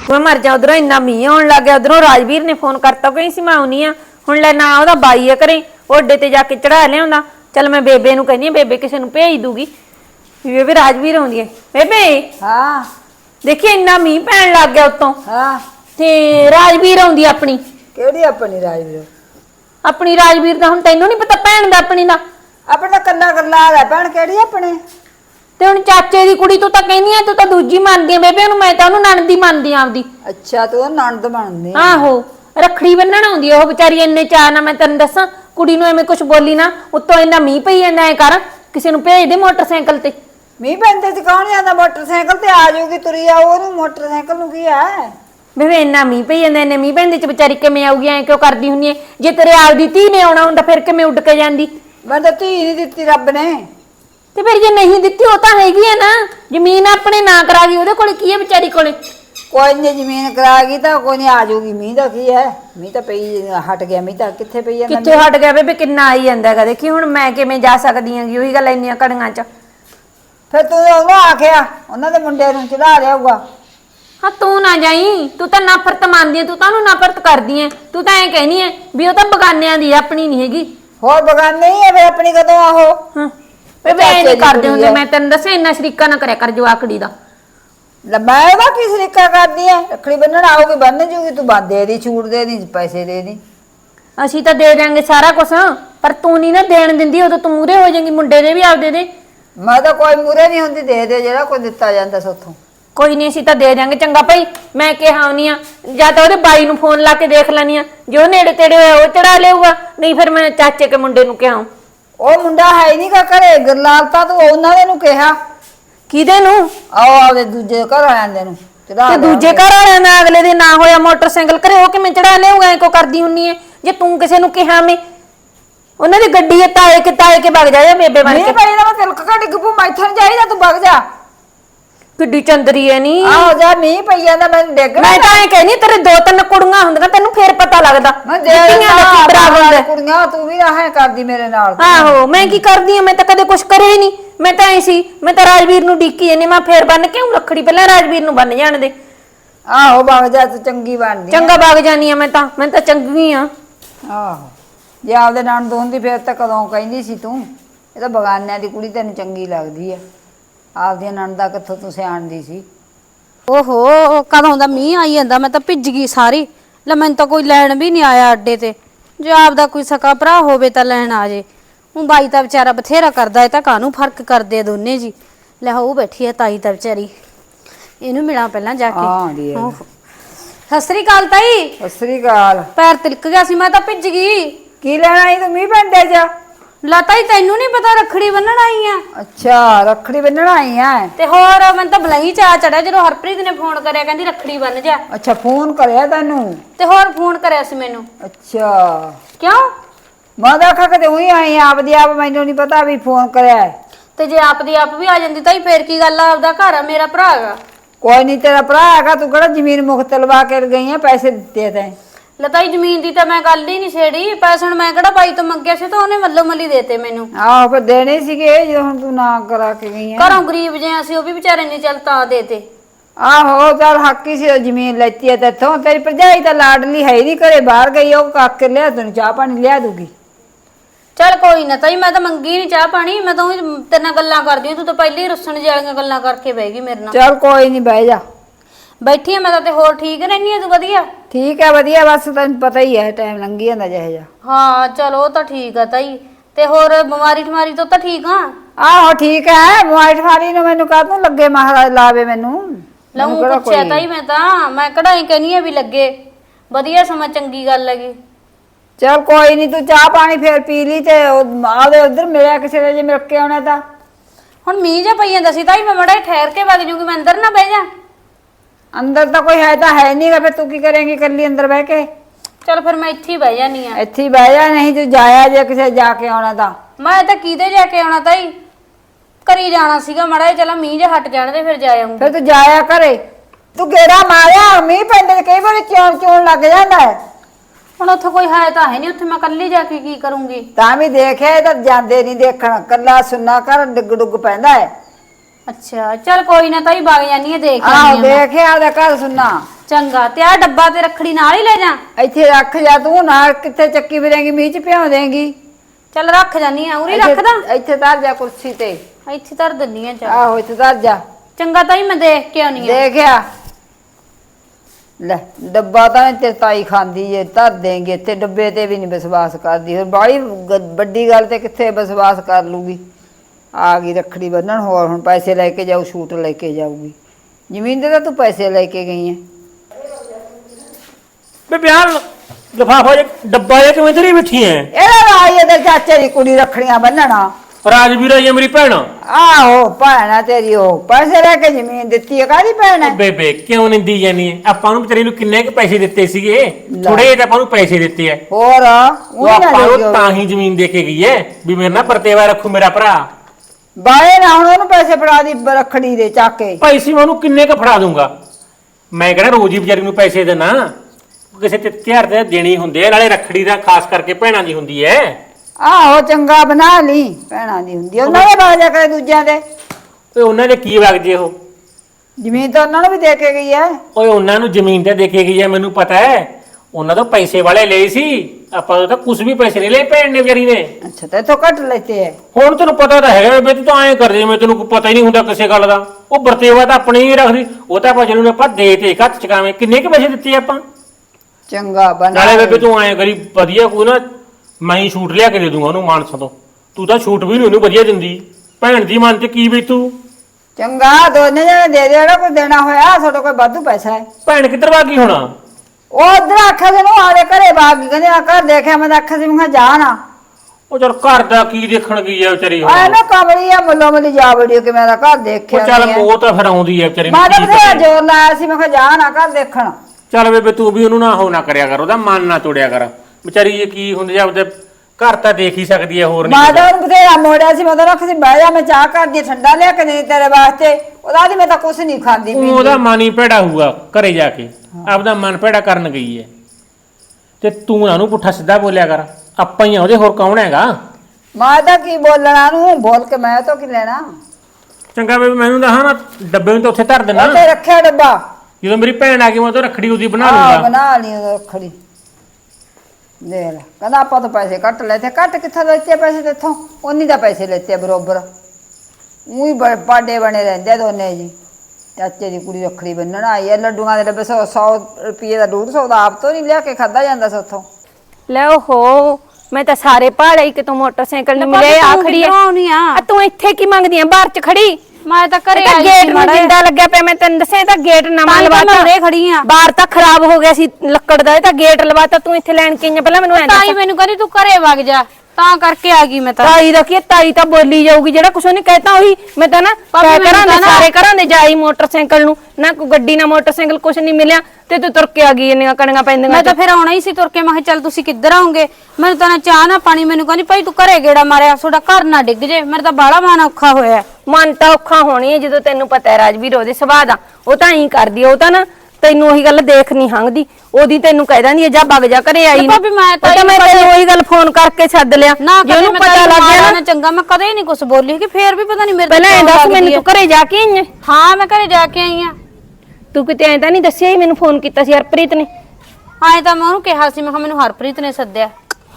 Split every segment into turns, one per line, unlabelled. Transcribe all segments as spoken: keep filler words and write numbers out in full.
मैं मर जा उधरों इन्ना मीह आउण लग गया उधरों राजवीर ने फोन करता कहीं सी मैं आउनी आ हुण ले ना ओहदा बाई है घरे ओडे ते जाके चढ़ा लिया चल मैं बेबे नूं कहनी बेबे किसी नूं भेज दूगी बेबे राजवीर आउंदी है बेबे
हाँ
देखिए इन्ना मीह पैण लग गया उत्तों
हाँ
ते राजवीर आउंदी अपनी
केड़ी अपनी राजवीर
अपनी राजवीर दा हुण तैनूं नहीं पता भैण दा अपनी दा
अपना कन्ना कल्ला है भैन केड़ी अपने
ते हुण चाचे दी कुड़ी तू तां कहनी आ तू तां दूजी मनदी आ बेबे ओनू मैं तां ओनू नणदी मनदी आ आपदी
अच्छा तू नणद बनदी
आहो रखड़ी बन्नण आउंदी आ ओह बेचारी इन्ने चाह ना मैं तैनूं दस्सां कुड़ी नूं एवें कुछ बोली ना उत्तों इन्ना मीह पई जांदा ऐ कर किसे नूं भेज दे मोटरसाइकिल ते
मीह पैंदे च कौन जांदा मोटरसाइकिल ते आ जाऊगी तुरी आ ओनू मोटरसाइकिल नूं की है
बेबे इन्ना मीह पई जांदा इन्ने मीह पैंदे च बेचारी किवें आऊगी ऐ क्यों करदी हुंदी ऐ जे तेरे आपदी धी ने आउणा हुंदा फिर किवें उड्ड के जांदी
मैं तो धी नहीं दित्ती रब ने
ते फिर जे नहीं दित्ती ओ तां हैगी है ना जमीन अपने ना करा गई ओदे कोल की है बेचारी कोले
कोई नहीं जमीन करा गई तो कोई नहीं आ जाऊगी मीह दा की है मीह तो पई हट गया मीह तो कित्थे पई जांदा
कित्थे हट गया बेबे किन्ना आई जांदा है देखी हुण मैं किवें जा सकदी हां ओही गल इन्नियां घड़ियां च
फिर तू ओनू आखिया उन्हां दे मुंडे नूं चढ़ा लियाऊगा
हाँ तू ना जाई तू तो नफरत मानदी तू तानू नफरत करदी है तू तो ऐ कहनी है भी ओ तां बगानियां दी अपनी नहीं हैगी
होर बगाने ही है फिर अपनी कदों आहो
हां बेबे ऐ नहीं करदे हुंदे मैं तैनूं दस्सिया इन्ना शरीका ना करया कर जवाकड़ी दा
मैं ओहदा की शरीका करदी है रखड़ी बन्नण आऊगी बन्न जूगी तू बा दे दी छूट दे दी पैसे दे दी
ਅਸੀਂ ਤਾਂ ਦੇ ਦਾਂਗੇ ਸਾਰਾ ਕੁਝ ਪਰ ਤੂੰ ਨਹੀਂ ਨਾ ਦੇਣ ਦਿੰਦੀ ਉਦੋਂ ਤੂੰ ਮੂਰੇ ਹੋ ਜਾਏਂਗੀ ਮੁੰਡੇ ਦੇ ਵੀ ਆਪਦੇ ਦੇ
ਮੈਂ ਤਾਂ ਕੋਈ ਮੂਰੇ ਨਹੀਂ ਹੁੰਦੀ ਦੇ ਦੇ ਜਿਹੜਾ ਕੋਈ ਦਿੱਤਾ ਜਾਂਦਾ ਸੋਥੋਂ
ਕੋਈ ਨਹੀਂ ਅਸੀਂ ਤਾਂ ਦੇ ਦਾਂਗੇ ਚੰਗਾ ਭਾਈ ਮੈਂ ਕਿਹਾ ਆਉਣੀ ਆ ਜਾਂ ਤਾਂ ਉਹਦੇ ਬਾਈ ਨੂੰ ਫੋਨ ਲਾ ਕੇ ਦੇਖ ਲੈਣੀ ਆ ਜੋ ਨੇੜੇ ਤੇੜੇ ਹੋਇਆ ਉਹ ਚੜਾ ਲਿਆਊਗਾ ਨਹੀਂ ਫਿਰ ਮੈਂ ਚਾਚੇ ਕੇ ਮੁੰਡੇ ਨੂੰ ਕਿਹਾ
ਉਹ ਮੁੰਡਾ ਹੈ ਨਹੀਂ ਕਾ ਘਰੇ ਗਰਲਾਲ ਤਾਂ ਤੂੰ ਉਹਨਾਂ ਦੇ ਨੂੰ ਕਿਹਾ
ਕਿਹਦੇ ਨੂੰ
ਆਓ ਆਪਦੇ ਦੂਜੇ ਘਰ ਵਾਲਿਆਂ ਦੇ ਨੂੰ ਚੜਾ
ਤੇ ਦੂਜੇ ਘਰ ਵਾਲਿਆਂ ਦਾ ਅਗਲੇ ਦੇ ਨਾ ਹੋਇਆ ਮੋਟਰਸਾਈਕਲ ਘਰੇ ਉਹ ਕਿਵੇਂ ਚੜਾ ਲਿਆਊਗਾ ਐ ਕੋ ਕਰਦੀ ਹੁੰਨੀ ਐ ਜੇ ਤੂੰ ਕਿਸੇ ਨੂੰ ਕਿਹਾ ਮੈਂ ਉਹਨਾਂ ਦੀ ਗੱਡੀ ਐ ਤਾਏ ਕੇ ਤਾਏ ਕੇ ਵਗ ਜਾ ਜਾ ਬੇਬੇ ਬਣ ਕੇ
ਨਹੀਂ ਭਾਈ ਨਾ ਮੈਂ ਤਿਲਕ ਘੱਟ ਗਪੂ ਮੈਥੋਂ ਜਾਈਦਾ ਤੂੰ ਵਗ ਜਾ
ਕਿੱਡੀ ਚੰਦਰੀ ਐ ਨਹੀਂ
ਆਹੋ ਜਾ ਮੀਂਹ ਪਈ ਜਾਂਦਾ ਮੈਂ ਡਿੱਗ
ਮੈਂ ਤਾਂ ਐ ਕਹਿੰਦੀ ਤੇਰੇ ਦੋ ਤਿੰਨ ਕੁੜੀਆਂ ਹੁੰਦੀਆਂ ਤੈਨੂੰ ਫੇਰ ਪਤਾ ਲੱਗਦਾ
ਮੈਂ ਦੇ ਕੁੜੀਆਂ ਤੂੰ ਵੀ ਆਹ ਕਰਦੀ ਮੇਰੇ ਨਾਲ
ਆਹੋ ਮੈਂ ਕੀ ਕਰਦੀ ਆ ਮੈਂ ਤਾਂ ਕਦੇ ਕੁਛ ਕਰੇ ਹੀ ਨਹੀਂ ਮੈਂ ਤਾਂ ਐ ਸੀ ਮੈਂ ਤਾਂ ਰਾਜਵੀਰ ਨੂੰ ਡੀਕੀ ਐ ਮੈਂ ਫੇਰ ਬੰਨ ਕਿਉਂ ਰੱਖੜੀ ਪਹਿਲਾਂ ਰਾਜਵੀਰ ਨੂੰ ਬੰਨ ਜਾਣ ਦੇ
ਆਹੋ ਵਗ ਜਾ ਤੂੰ ਚੰਗੀ ਬਣਦੀ
ਚੰਗਾ ਵਗ ਜਾਨੀ ਆ ਮੈਂ ਤਾਂ ਮੈਂ ਤਾਂ ਚੰਗੀ ਆ
ਆਹੋ ਜੇ ਆਪਦੇ ਨਣਦ ਹੁੰਦੀ ਫੇਰ ਤਾਂ ਕਦੋਂ ਕਹਿੰਦੀ ਸੀ ਤੂੰ ਇਹ ਤਾਂ ਬਗਾਨਿਆਂ ਦੀ ਕੁੜੀ ਤੈਨੂੰ ਚੰਗੀ ਲੱਗਦੀ ਆ ਆਪਦੀਆਂ ਨਣਦਾਂ ਕਿੱਥੋਂ ਤੂੰ ਸਿਆਣਦੀ ਸੀ
ਓਹੋ ਕਦੋਂ ਦਾ ਮੀਂਹ ਆਈ ਜਾਂਦਾ ਮੈਂ ਤਾਂ ਭਿੱਜ ਗਈ ਸਾਰੀ ਲੈ ਮੈਨੂੰ ਤਾਂ ਕੋਈ ਲੈਣ ਵੀ ਨਹੀਂ ਆਇਆ ਅੱਡੇ ਤੇ ਜੇ ਆਪਦਾ ਕੋਈ ਸਕਾ ਭਰਾ ਹੋਵੇ ਤਾਂ ਲੈਣ ਆ ਜੇ ਹੁਣ ਬਾਈ ਤਾਂ ਵਿਚਾਰਾ ਬਥੇਰਾ ਕਰਦਾ ਇਹ ਤਾਂ ਕਾਹਨੂੰ ਫਰਕ ਕਰਦੇ ਆ ਦੋਨੇ ਜੀ ਲੈ ਉਹ ਬੈਠੀ ਆ ਤਾਈ ਤਾਂ ਵਿਚਾਰੀ ਇਹਨੂੰ ਮਿਲਾਂ ਪਹਿਲਾਂ ਜਾ ਕੇ
ਹਾਂ ਦੀ
ਸਤਿ ਸ੍ਰੀ ਅਕਾਲ ਤਾਈ
ਸਤਿ ਸ੍ਰੀ ਅਕਾਲ
ਪੈਰ ਤਿਲਕ ਗਿਆ ਸੀ ਮੈਂ ਤਾਂ ਭਿੱਜ ਗਈ
ਕੀ ਲੈਣਾ ਆਈ ਤੂੰ ਮੀਂਹ ਪੈਂਦੇ ਜਾ
ਲੈ ਤਾਈ ਤੈਨੂੰ ਨਹੀਂ ਪਤਾ ਰੱਖੜੀ ਬੰਨਣ ਆਈ ਆ
ਅੱਛਾ ਰੱਖੜੀ ਬੰਨਣ ਆਈ ਆ
ਤੇ ਹੋਰ ਮੈਨੂੰ ਤਾਂ ਬਲਾਈ ਚਾ ਚੜਿਆ ਜਦੋਂ ਹਰਪ੍ਰੀਤ ਨੇ ਫੋਨ ਕਰਿਆ ਕਹਿੰਦੀ ਰੱਖੜੀ ਬੰਨ ਜਾ
ਅੱਛਾ ਫੋਨ ਕਰਿਆ ਤੈਨੂੰ
ਤੇ ਹੋਰ ਫੋਨ ਕਰਿਆ ਸੀ ਮੈਨੂੰ
ਅੱਛਾ
ਕਿਉਂ
ਮੈਂ ਤਾਂ ਆਖਿਆ ਕਿਤੇ ਉਹੀ ਆਈ ਆਪਦੀ ਆਪ ਮੈਨੂੰ ਨਹੀਂ ਪਤਾ ਵੀ ਫੋਨ ਕਰਿਆ
ਤੇ ਜੇ ਆਪ ਦੀ ਆਪ ਵੀ ਆ ਜਾਂਦੀ ਤਾਈ ਫੇਰ ਕੀ ਗੱਲ ਆ ਆਪਦਾ ਘਰ ਆ ਮੇਰਾ ਭਰਾ ਹੈਗਾ
ਕੋਈ ਨਹੀਂ ਤੇਰਾ ਭਰਾ ਹੈਗਾ ਤੂੰ ਕਿਹੜਾ ਜ਼ਮੀਨ ਮੁਖਤ ਲਵਾ ਕੇ ਗਈ ਆ ਪੈਸੇ ਦਿੱਤੇ ਤੈਂ
ਲਤਾਈ ਜ਼ਮੀਨ ਦੀ ਤਾਂ ਮੈਂ ਗੱਲ ਹੀ ਨਹੀਂ ਛੇੜੀ ਪੈਸੇ ਹੁਣ ਮੈਂ ਕਿਹੜਾ ਬਾਈ ਤੋਂ ਮੰਗਿਆ ਸੀ ਤਾਂ ਉਹਨੇ ਮੱਲੋ ਮੱਲੀ ਦੇਤੇ ਮੈਨੂੰ
ਆਹੋ ਫਿਰ ਦੇਣੇ ਸੀਗੇ ਜਦੋਂ ਹੁਣ ਤੂੰ ਨਾ ਕਰਾ ਕੇ ਗਈ ਆ
ਘਰੋਂ ਗਰੀਬ ਜੇ ਅਸੀਂ ਉਹ ਵੀ ਵਿਚਾਰੇ ਨਹੀਂ ਚੱਲ ਤਾਂ ਦੇਤੇ
ਆਹੋ ਚੱਲ ਹੱਕ ਹੀ ਸੀ ਜ਼ਮੀਨ ਲੈਤੀ ਹੈ ਤੇਥੋਂ ਤੇਰੀ ਭਰਜਾਈ ਤਾਂ ਲਾਡਲੀ ਹੈ ਨਹੀਂ ਘਰੇ ਬਾਹਰ ਗਈ ਉਹ ਕੱਕ ਕੇ ਲਿਆ ਤੈਨੂੰ ਚਾਹ ਪਾਣੀ ਲਿਆ ਦੂਗੀ
ਚੱਲ ਕੋਈ ਨਾ ਤਾਈ ਮੈਂ ਤਾਂ ਮੰਗੀ ਨਹੀਂ ਚਾਹ ਪਾਣੀ ਮੈਂ ਤਾਂ ਤੇਰੇ ਨਾਲ ਗੱਲਾਂ ਕਰਦੀ ਤੂੰ ਤਾਂ ਪਹਿਲੇ ਹੀ ਰੁੱਸਣ ਜਿਹੀਆਂ ਗੱਲਾਂ ਕਰਕੇ ਬਹਿ ਗਈ ਮੇਰੇ ਨਾਲ
ਚੱਲ ਕੋਈ ਨਹੀਂ ਬਹਿ ਜਾ
ਬੈਠੀ ਆ ਮੈਂ ਤਾਂ ਤੇ ਹੋਰ ਠੀਕ ਰਹਿਨੀ ਆ ਤੂੰ ਵਧੀਆ
ਠੀਕ ਹੈ ਵਧੀਆ ਬਸ ਤੈਨੂੰ ਪਤਾ ਹੀ ਹੈ ਟਾਈਮ ਲੰਘੀ ਜਾਂਦਾ ਜਿਹੇ ਜਾ
ਹਾਂ ਚਲੋ ਉਹ ਤਾਂ ਠੀਕ ਆ ਤਾਈ ਤੇ ਹੋਰ ਬਿਮਾਰੀ ਠਮਾਰੀ ਤੋਂ ਤਾਂ ਠੀਕ ਆ
ਆਹੋ ਠੀਕ ਹੈ ਬਿਮਾਰੀ ਠਮਾਰੀ ਨੂੰ ਮੈਨੂੰ ਕਾਹਤੋਂ ਲੱਗੇ ਮਹਾਰਾਜ ਲਾਵੇ ਮੈਨੂੰ
ਲਾਉਂ ਪੁੱਛਿਆ ਤਾਈ ਮੈਂ ਤਾਂ ਮੈਂ ਕਢਾਈ ਕਹਿਨੀ ਆ ਵੀ ਲੱਗੇ ਵਧੀਆ ਸਮਾਂ ਚੰਗੀ ਗੱਲ ਹੈਗੀ
ਚੱਲ ਕੋਈ ਨਹੀਂ ਤੂੰ ਚਾਹ ਪਾਣੀ ਫੇਰ ਪੀ ਲਈ ਤੇ ਆਦੇ ਉਧਰ ਮਿਲਿਆ ਕਿਸੇ ਦੇ ਜੇ ਮਿਲ ਕੇ ਆਉਣਾ ਤਾਂ
ਹੁਣ ਮੀਂਹ ਜਾ ਪਈ ਜਾਂਦਾ ਸੀ ਤਾਈ ਮੈਂ ਮੜਾ ਠਹਿਰ ਕੇ ਵਗ ਜੂਗੀ ਮੈਂ ਅੰਦਰ ਨਾ ਬਹਿ ਜਾ
ਅੰਦਰ ਤਾਂ ਕੋਈ ਹੈ ਤਾਂ ਹੈ ਨਹੀਂਗਾ ਫਿਰ ਤੂੰ ਕੀ ਕਰੇਂਗੀ ਇਕੱਲੀ ਅੰਦਰ ਬਹਿ ਕੇ
ਚਲ ਫਿਰ ਮੈਂ ਇੱਥੇ ਹੀ ਬਹਿ ਜਾਨੀ ਆ
ਇੱਥੇ ਹੀ ਬਹਿ ਜਾ ਨਹੀਂ ਤੂੰ ਜਾਇਆ ਜੇ ਕਿਸੇ ਜਾ ਕੇ ਆਉਣਾ ਤਾਂ
ਮੈਂ ਤਾਂ ਕਿਹਦੇ ਜਾ ਕੇ ਆਉਣਾ ਤਾਈ ਕਰੀ ਜਾਣਾ ਸੀਗਾ ਮੜਾ ਚਲਾ ਮੀਂਹ ਜਾ ਹਟ ਜਾਣ ਦੇ ਫਿਰ ਜਾ ਆਉਂਗੀ
ਫਿਰ ਤੂੰ ਜਾਇਆ ਘਰੇ ਤੂੰ ਗੇੜਾ ਮਾਰਿਆ ਮੀਂਹ ਪੈਂਦੇ ਕਈ ਵਾਰੀ ਚੌਣ ਚੌਣ ਲੱਗ ਜਾਂਦਾ ਹੈ
ਹੁਣ ਉੱਥੇ ਕੋਈ ਹੈ ਤਾਂ ਹੈ ਨਹੀਂ ਉੱਥੇ ਮੈਂ ਇਕੱਲੀ ਜਾ ਕੇ ਕੀ ਕਰੂੰਗੀ
ਤਾਂ ਵੀ ਦੇਖਿਆ ਇਹ ਤਾਂ ਜਾਂਦੇ ਨਹੀਂ ਦੇਖਣ ਕੱਲਾ ਸੁੰਨਾ ਘਰ ਡਿੱਗ ਡੁੱਗ ਪੈਂਦਾ ਹੈ
ਅੱਛਾ ਚਲ ਕੋਈ ਨਾ ਤਾਈ ਵਗ ਜਾਨੀ ਆ ਦੇਖ
ਆਹੋ
ਲੈਣੀ ਆ
ਦੇਖਿਆ ਉਹਦਾ ਘਰ ਸੁੰਨਾ
ਚੰਗਾ ਤੇ ਆ ਡੱਬਾ ਤੇ ਰੱਖੜੀ ਨਾਲ ਹੀ ਲੈ ਜਾ।
ਇੱਥੇ ਰੱਖ ਜਾ ਤੂੰ, ਨਾਲ ਕਿੱਥੇ ਚੱਕੀ ਫਿਰੇਂਗੀ, ਮੀਂਹ ਚ ਭਿਉਂ ਦੇਂਗੀ।
ਚੱਲ ਰੱਖ ਜਾਨੀ ਆ, ਉਰੇ ਰੱਖਦਾ।
ਇੱਥੇ ਧਰ ਜਾ ਕੁਰਸੀ ਤੇ।
ਇੱਥੇ ਧਰ ਦਿੰਨੀ ਆ। ਚੱਲ
ਆਹੋ ਇੱਥੇ ਧਰ ਜਾ।
ਚੰਗਾ ਤਾਈ ਮੈਂ ਦੇਖ ਕੇ ਆਉਣੀ ਆ।
ਦੇਖਿਆ ਲੈ, ਡੱਬਾ ਤਾਂ ਤੇਰੀ ਤਾਈ ਖਾਂਦੀ ਏ, ਧਰ ਦੇਂਗੇ ਇੱਥੇ। ਡੱਬੇ ਤੇ ਵੀ ਨਹੀਂ ਵਿਸ਼ਵਾਸ ਕਰਦੀ, ਹੋਰ ਬਾਹਲੀ ਵੱਡੀ ਗੱਲ ਤੇ ਕਿੱਥੇ ਵਿਸ਼ਵਾਸ ਕਰ ਲੂਗੀ। ਆ ਗਈ ਰੱਖੜੀ ਬੰਨਣ, ਹੋਰ ਹੁਣ ਪੈਸੇ ਲੈ ਕੇ ਜਾਊ, ਸੂਟ ਲੈ ਕੇ ਜਾਊਗੀ। ਜ਼ਮੀਨ ਦੇ ਤਾਂ ਤੂੰ ਪੈਸੇ ਲੈ ਕੇ ਗਈ ਹੈ।
ਬੇ ਬਿਆਨ ਲਫਾਫਾ ਜੇ ਡੱਬਾ ਜੇ ਕਿਵੇਂ ਤੇਰੀ ਬਿਠੀ ਐ?
ਇਹਦਾ ਰਾਜ ਇਹਦੇ ਚਾਚੇ ਦੀ ਕੁੜੀ ਰੱਖੜੀਆਂ ਬੰਨਣਾ।
ਰਾਜਵੀਰ ਆਈ ਮੇਰੀ ਭੈਣ।
ਆਹੋ ਭੈਣਾ ਤੇਰੀ, ਉਹ ਪੈਸੇ ਲੈ ਕੇ ਜ਼ਮੀਨ ਦਿੱਤੀ ਹੈ, ਕਾਹਦੀ ਭੈਣ ਹੈ?
ਬੇਬੇ ਕਿਉਂ ਨਿੰਦੀ ਜਾਨੀ ਐ? ਆਪਾਂ ਨੂੰ ਵਿਚਾਰੀ ਨੂੰ ਕਿੰਨੇ ਕੁ ਪੈਸੇ ਦਿੱਤੇ ਸੀਗੇ? ਥੋੜੇ ਜਿਹੇ ਤਾਂ ਆਪਾਂ ਨੂੰ ਪੈਸੇ ਦਿੱਤੇ ਐ।
ਹੋਰ
ਉਹ
ਉਹ ਨਾ
ਆਪਾਂ
ਦੇ
ਨੂੰ ਤਾਂ ਹੀ ਜ਼ਮੀਨ ਦੇ ਕੇ ਗਈ ਐ ਵੀ ਮੇਰੇ ਨਾਲ ਪਰਤੇਵਾ ਰੱਖੂ ਮੇਰਾ ਭਰਾ।
ਬਾਏ ਨਾ ਹੁਣ ਉਹਨੂੰ ਪੈਸੇ ਫੜਾ ਦੀ ਰੱਖੜੀ ਦੇ ਚੱਕ ਕੇ।
ਪੈਸੇ ਮੈਂ ਉਹਨੂੰ ਕਿੰਨੇ ਕੁ ਫੜਾ ਦੂੰਗਾ? ਮੈਂ ਕਿਹੜਾ ਰੋਜ਼ ਹੀ ਵਿਚਾਰੀ ਨੂੰ ਪੈਸੇ ਦੇਣਾ? ਕਿਸੇ ਤੇ ਤਿਉਹਾਰ ਤੇ ਦੇਣੀ ਹੁੰਦੇ ਆ, ਨਾਲੇ ਰੱਖੜੀ ਦਾ ਖਾਸ ਕਰਕੇ ਭੈਣਾਂ ਦੀ ਹੁੰਦੀ ਐ।
ਆਹੋ ਚੰਗਾ ਬਣਾ ਲਈ, ਭੈਣਾਂ ਦੀ ਹੁੰਦੀ। ਉਹਨਾਂ ਦੇ ਬਾਜਾ ਕਰੇ ਦੂਜਿਆਂ ਦੇ।
ਓਏ ਉਹਨਾਂ ਦੇ ਕੀ ਵਗ ਜੇ ਉਹ?
ਜ਼ਮੀਨ ਤਾਂ ਉਹਨਾਂ ਨੂੰ ਵੀ ਦੇ ਕੇ ਗਈ ਹੈ।
ਓਏ ਉਹਨਾਂ ਨੂੰ ਜ਼ਮੀਨ ਤੇ ਦੇ ਕੇ ਗਈ ਐ, ਮੈਨੂੰ ਪਤਾ ਹੈ। ਉਹਨਾਂ ਤੋਂ ਪੈਸੇ ਵਾਲੇ ਲਏ ਸੀ, ਆਪਾਂ ਤੋਂ ਤਾਂ ਕੁਝ ਵੀ ਪੈਸੇ ਨਹੀਂ ਲਏ ਭੈਣ ਨੇ ਵਿਚਾਰੀ ਨੇ।
ਅੱਛਾ ਤੇ ਇਥੋਂ ਕੱਟ ਲੈਤੇ ਹੈ।
ਹੁਣ ਤੈਨੂੰ ਪਤਾ ਤਾਂ ਹੈਗਾ ਬੇ, ਤੂੰ ਤਾਂ ਐਂ ਕਰ ਜਿਵੇਂ ਤੈਨੂੰ ਕੋਈ ਪਤਾ ਹੀ ਨਹੀਂ ਹੁੰਦਾ ਕਿਸੇ ਗੱਲ ਦਾ। ਉਹ ਵਰਤੇਵਾ ਤਾਂ ਆਪਣੇ ਹੀ ਰੱਖਦੀ, ਉਹ ਤਾਂ ਆਪਾਂ ਜਿਹਨੂੰ ਆਪਾਂ ਦੇ ਤੇ ਹੱਥ ਚਕਾਵੇਂ। ਕਿੰਨੇ ਕੁ ਪੈਸੇ ਦਿੱਤੇ ਆਪਾਂ?
ਚੰਗਾ ਬਣਾ
ਨਾਲੇ ਬੇਬੇ ਤੂੰ ਐਂ ਕਰੀ, ਵਧੀਆ ਕੋਈ ਨਾ ਮੈਂ ਹੀ ਛੂਟ ਲਿਆ ਕੇ ਦੇ ਦੂੰਗਾ ਉਹਨੂੰ ਮਾਨਸਾ ਤੋਂ। ਤੂੰ ਤਾਂ ਛੂਟ ਵੀ ਨਹੀਂ ਉਹਨੂੰ ਵਧੀਆ ਦਿੰਦੀ। ਭੈਣ ਦੀ ਮਨ ਤੇ ਕੀ ਵੀ ਤੂੰ?
ਚੰਗਾ ਦੋਨੇ ਜਣੇ ਦੇ ਦੇ, ਜਿਹੜਾ ਕੋਈ ਦੇਣਾ ਹੋਇਆ। ਤੁਹਾਡੇ ਕੋਲ ਵਾਧੂ ਪੈਸਾ ਹੈ।
ਭੈਣ ਕਿੱਧਰ ਵਾਗੀ ਹੋਣਾ?
ਉਹ ਉਧਰ ਆਖਿਆ ਸੀ ਨੂੰ ਆਦੇ ਘਰੇ ਬਾਗ ਗਈ, ਕਹਿੰਦੇ ਆ ਘਰ ਦੇਖਿਆ। ਮੈਂ ਤਾਂ ਆਖਿਆ ਸੀ ਮੈਂ ਕਿਹਾ ਜਾ ਨਾ।
ਉਹ ਚਲ ਘਰ ਦਾ ਕੀ ਦੇਖਣ ਗਈ ਐ ਵਿਚਾਰੀ? ਹੁਣ
ਆ ਨਾ ਕਮਲੀ ਆ, ਮੁੱਲੋ ਮੁੱਲੀ ਜਾ ਵੜੀ ਕਿ ਮੈਂ ਤਾਂ ਘਰ
ਉਹ
ਦੇਖਿਆ
ਚੱਲ
ਨਹੀਂ ਹੈ।
ਮੋਹ ਤਾਂ ਫਿਰ ਆਉਂਦੀ ਐ ਵਿਚਾਰੀ ਨੂੰ।
ਮੈਂ ਤਾਂ
ਕੀ
ਬਥੇਰਾ
ਪਤਾ।
ਜ਼ੋਰ ਲਾਇਆ ਸੀ, ਮੈਂ ਕਿਹਾ ਜਾ ਨਾ ਘਰ ਦੇਖਣ।
ਚੱਲ ਬੇਬੇ ਤੂੰ ਵੀ ਉਹਨੂੰ ਨਾ ਹੋ ਨਾ ਕਰਿਆ ਕਰ, ਉਹਦਾ ਮਨ ਨਾ ਤੋੜਿਆ ਕਰ। ਵਿਚਾਰੀ ਇਹ ਕੀ ਹੁੰਦੀ ਆ, ਉਹਦੇ ਘਰ ਤਾਂ ਦੇਖ ਹੀ ਸਕਦੀ ਐ, ਹੋਰ
ਮੈਂ
ਨਹੀਂ।
ਤਾਂ ਉਹਨੂੰ ਬਥੇਰਾ ਮੋੜਿਆ ਸੀ। ਮੈਂ ਤਾਂ ਰੱਖ ਸੀ ਬਹਿ ਜਾ, ਮੈਂ ਚਾਹ ਕਰਦੀ ਠੰਡਾ ਲਿਆ ਕੇ ਦੇ ਤੇਰੇ ਵਾਸਤੇ। ਉਹਦਾ ਦੀ ਮੈਂ ਤਾਂ ਕੁਛ ਨਹੀਂ ਖਾਂਦੀ ਪੀਂਦੀ।
ਉਹਦਾ ਮਨ ਹੀ ਭੈੜਾ ਹੋਊਗਾ ਘਰੇ ਜਾ ਕੇ, ਆਪਦਾ ਮਨ ਭੈੜਾ ਕਰਨ ਗਈ ਐ। ਤੇ ਤੂੰ ਨਾ ਉਹਨੂੰ ਪੁੱਠਾ ਸਿੱਧਾ ਬੋਲਿਆ ਕਰ, ਆਪਾਂ ਹੀ ਆ ਉਹਦੇ, ਹੋਰ ਕੌਣ ਹੈਗਾ?
ਮੈਂ ਤਾਂ ਕੀ ਬੋਲਣਾ ਨੂੰ, ਬੋਲ ਕੇ ਮੈਂ ਤਾਂ ਕੀ ਲੈਣਾ।
ਚੰਗਾ ਬੇਬੇ ਮੈਨੂੰ ਤਾਂ ਹਾਂ ਨਾ ਡੱਬੇ ਨੂੰ ਤਾਂ ਉੱਥੇ ਧਰ ਦੇਣਾ।
ਉੱਥੇ ਰੱਖਿਆ ਡੱਬਾ।
ਜਦੋਂ ਮੇਰੀ ਭੈਣ ਆ ਗਈ ਮੈਂ ਤਾਂ ਰੱਖੜੀ ਉਹਦੀ ਬਣਾ
ਆਹ
ਲੂੰਗਾ।
ਬਣਾ ਲਈ ਉਹ ਰੱਖੜੀ। ਦੇ ਲੈ, ਕਹਿੰਦਾ ਆਪਾਂ ਤਾਂ ਪੈਸੇ ਕੱਟ ਲਏ ਤੇ। ਕੱਟ ਕਿੱਥੋਂ ਲੈਤੇ ਪੈਸੇ ਤੇਥੋਂ? ਉਨੀ ਦਾ ਪੈਸੇ ਲੈਤੇ ਬਰੋਬਰ। ਉਹੀ ਪਾਡੇ ਬਣੇ ਰਹਿੰਦੇ ਦੋਨੇ ਜੀ। ਚਾਚੇ ਦੀ ਕੁੜੀ ਰੱਖੜੀ ਬੰਨਣ ਆਈ ਹੈ। ਲੱਡੂਆਂ ਦੇ ਡੱਬੇ ਸੌ ਸੌ ਰੁਪਏ ਦਾ, ਡੂਢ ਸੌ ਦਾ ਆਪ ਤੋਂ ਨਹੀਂ ਲਿਆ ਕੇ ਖਾਦਾ ਜਾਂਦਾ ਸੀ ਉੱਥੋਂ।
ਲੈ ਓਹੋ, ਮੈਂ ਤਾਂ ਸਾਰੇ ਪਹਾੜੇ ਹੀ ਕਿਤੋਂ ਮੋਟਰਸਾਈਕਲ ਨਹੀਂ ਮਿਲੇ।
ਤੂੰ
ਆਖੜੀ
ਕਿੱਧਰੋਂ ਆਉਣੀ ਆ?
ਆ ਤੂੰ ਇੱਥੇ ਕੀ ਮੰਗਦੀ ਆ ਬਾਹਰ ਚ ਖੜੀ?
ਮੈਂ ਤਾਂ ਘਰੇ
ਇਹ ਤਾਂ
ਆਈ
ਗੇਟ
ਸੀ
ਨੂੰ
ਮਾੜਾ
ਜਿੰਦਾ ਲੱਗਿਆ ਪਿਆ। ਮੈਂ ਤੈਨੂੰ ਦੱਸਿਆ ਇਹ ਤਾਂ ਗੇਟ ਨਵਾਂ
ਤਾਂ ਹੀ ਤਾਂ ਮੈਂ
ਲਵਾਤਾ।
ਉਰੇ ਖੜੀ ਆਂ।
ਬਾਹਰ ਤਾਂ ਖਰਾਬ ਹੋ ਗਿਆ ਸੀ ਲੱਕੜ ਦਾ, ਇਹ ਤਾਂ ਗੇਟ ਲਵਾਤਾ। ਤੂੰ ਇੱਥੇ ਲੈਣ ਕੇ ਆਈ ਆਂ, ਪਹਿਲਾਂ ਮੈਨੂੰ ਐਂ
ਤਾਈ
ਦੱਸ।
ਮੈਨੂੰ ਕਹਿੰਦੀ ਤੂੰ ਘਰੇ ਵਗ ਜਾ, ਤਾਂ ਕਰਕੇ ਆ ਗਈ ਮੈਂ ਤਾਂ।
ਤਾਈ ਦਾ ਕੀ ਹੈ? ਤਾਈ ਤਾਂ ਬੋਲੀ ਜਾਊਗੀ, ਜਿਹੜਾ ਕੁਛ ਉਹਨੇ ਕਹਿਤਾ ਉਹੀ। ਮੈਂ ਤਾਂ ਨਾ
ਭਾਬੀ
ਤੈਅ
ਮੈਨੂੰ
ਕਰਾਂ ਦੇ
ਤਾਂ ਨਾ-
ਸਾਰੇ ਘਰਾਂ ਦੇ ਜਾਈ ਮੋਟਰਸਾਈਕਲ ਨੂੰ, ਨਾ ਕੋਈ ਗੱਡੀ ਨਾ ਮੋਟਰਸਾਈਕਲ ਕੁਛ ਨਹੀਂ ਮਿਲਿਆ ਤੇ ਤੂੰ ਤੁਰ ਕੇ ਆ ਗਈ ਇੰਨੀਆਂ ਕਣੀਆਂ ਪੈਂਦੀਆਂ।
ਮੈਂ ਤਾਂ ਫਿਰ ਆਉਣਾ ਹੀ ਸੀ ਤੁਰ ਕੇ। ਮੈਂ ਕਿਹਾ ਚੱਲ ਤੁਸੀਂ ਕਿੱਧਰ ਆਉਂਗੇ? ਮੈਨੂੰ ਤਾਂ ਨਾ ਚਾਹ ਨਾ ਪਾਣੀ। ਮੈਨੂੰ ਕਹਿੰਦੀ ਭਾਈ ਤੂੰ ਘਰੇ ਗੇੜਾ ਮਾਰਿਆ, ਤੁਹਾਡਾ ਘਰ ਨਾ ਡਿੱਗ ਜੇ। ਮੇਰੇ ਤਾਂ ਬਾਹਲਾ ਮਨ ਔਖਾ ਹੋਇਆ।
ਮਨ ਤਾਂ ਔਖਾ ਹੋਣੀ ਹੈ ਜਦੋਂ ਤੈਨੂੰ ਪਤਾ ਹੈ ਰਾਜਵੀਰ ਉਹਦੇ ਸੁਭਾਅ ਦਾ। ਉਹ ਤਾਂ ਐਂ ਕਰਦੀ ਆ, ਉਹ ਤਾਂ ਨਾ ਤੈਨੂੰ ਉਹੀ ਗੱਲ ਦੇਖ ਨਹੀਂ ਹੰਗਦੀ। ਉਹਦੀ ਤੈਨੂੰ ਕਹਿ ਦਿੰਦੀ ਹੈ ਜਾ ਵਗ ਜਾ ਘਰੇ ਆਈ ਨੂੰ।
ਭਾਬੀ ਮੈਂ ਤਾਂ
ਉਹ ਤਾਂ ਮੈਂ ਤੈਨੂੰ ਉਹੀ ਗੱਲ ਫੋਨ ਕਰਕੇ ਸੱਦ ਲਿਆ।
ਨਾ
ਜੇ ਉਹਨੂੰ ਪਤਾ ਲੱਗ ਗਿਆ ਨਾ
ਚੰਗਾ, ਮੈਂ ਕਦੇ ਨਹੀਂ ਕੁਝ ਬੋਲੀ ਕਿ ਫੇਰ ਵੀ ਪਤਾ ਨਹੀਂ ਮੇਰੇ
ਪਹਿਲਾਂ ਐਂ ਦੱਸ ਮੈਨੂੰ, ਤੂੰ ਘਰੇ ਜਾ ਕੇ ਆਈ ਹੈ?
ਹਾਂ ਮੈਂ ਘਰੇ ਜਾ ਕੇ ਆਈ ਆ।
ਤੂੰ ਕਿਤੇ ਐਂ ਤਾਂ ਨਹੀਂ ਦੱਸਿਆ ਹੀ ਮੈਨੂੰ ਫੋਨ ਕੀਤਾ ਸੀ ਹਰਪ੍ਰੀਤ ਨੇ?
ਆਏ ਤਾਂ ਮੈਂ ਉਹਨੂੰ ਕਿਹਾ ਸੀ, ਮੈਂ ਕਿਹਾ ਮੈਨੂੰ ਹਰਪ੍ਰੀਤ ਨੇ ਸੱਦਿਆ।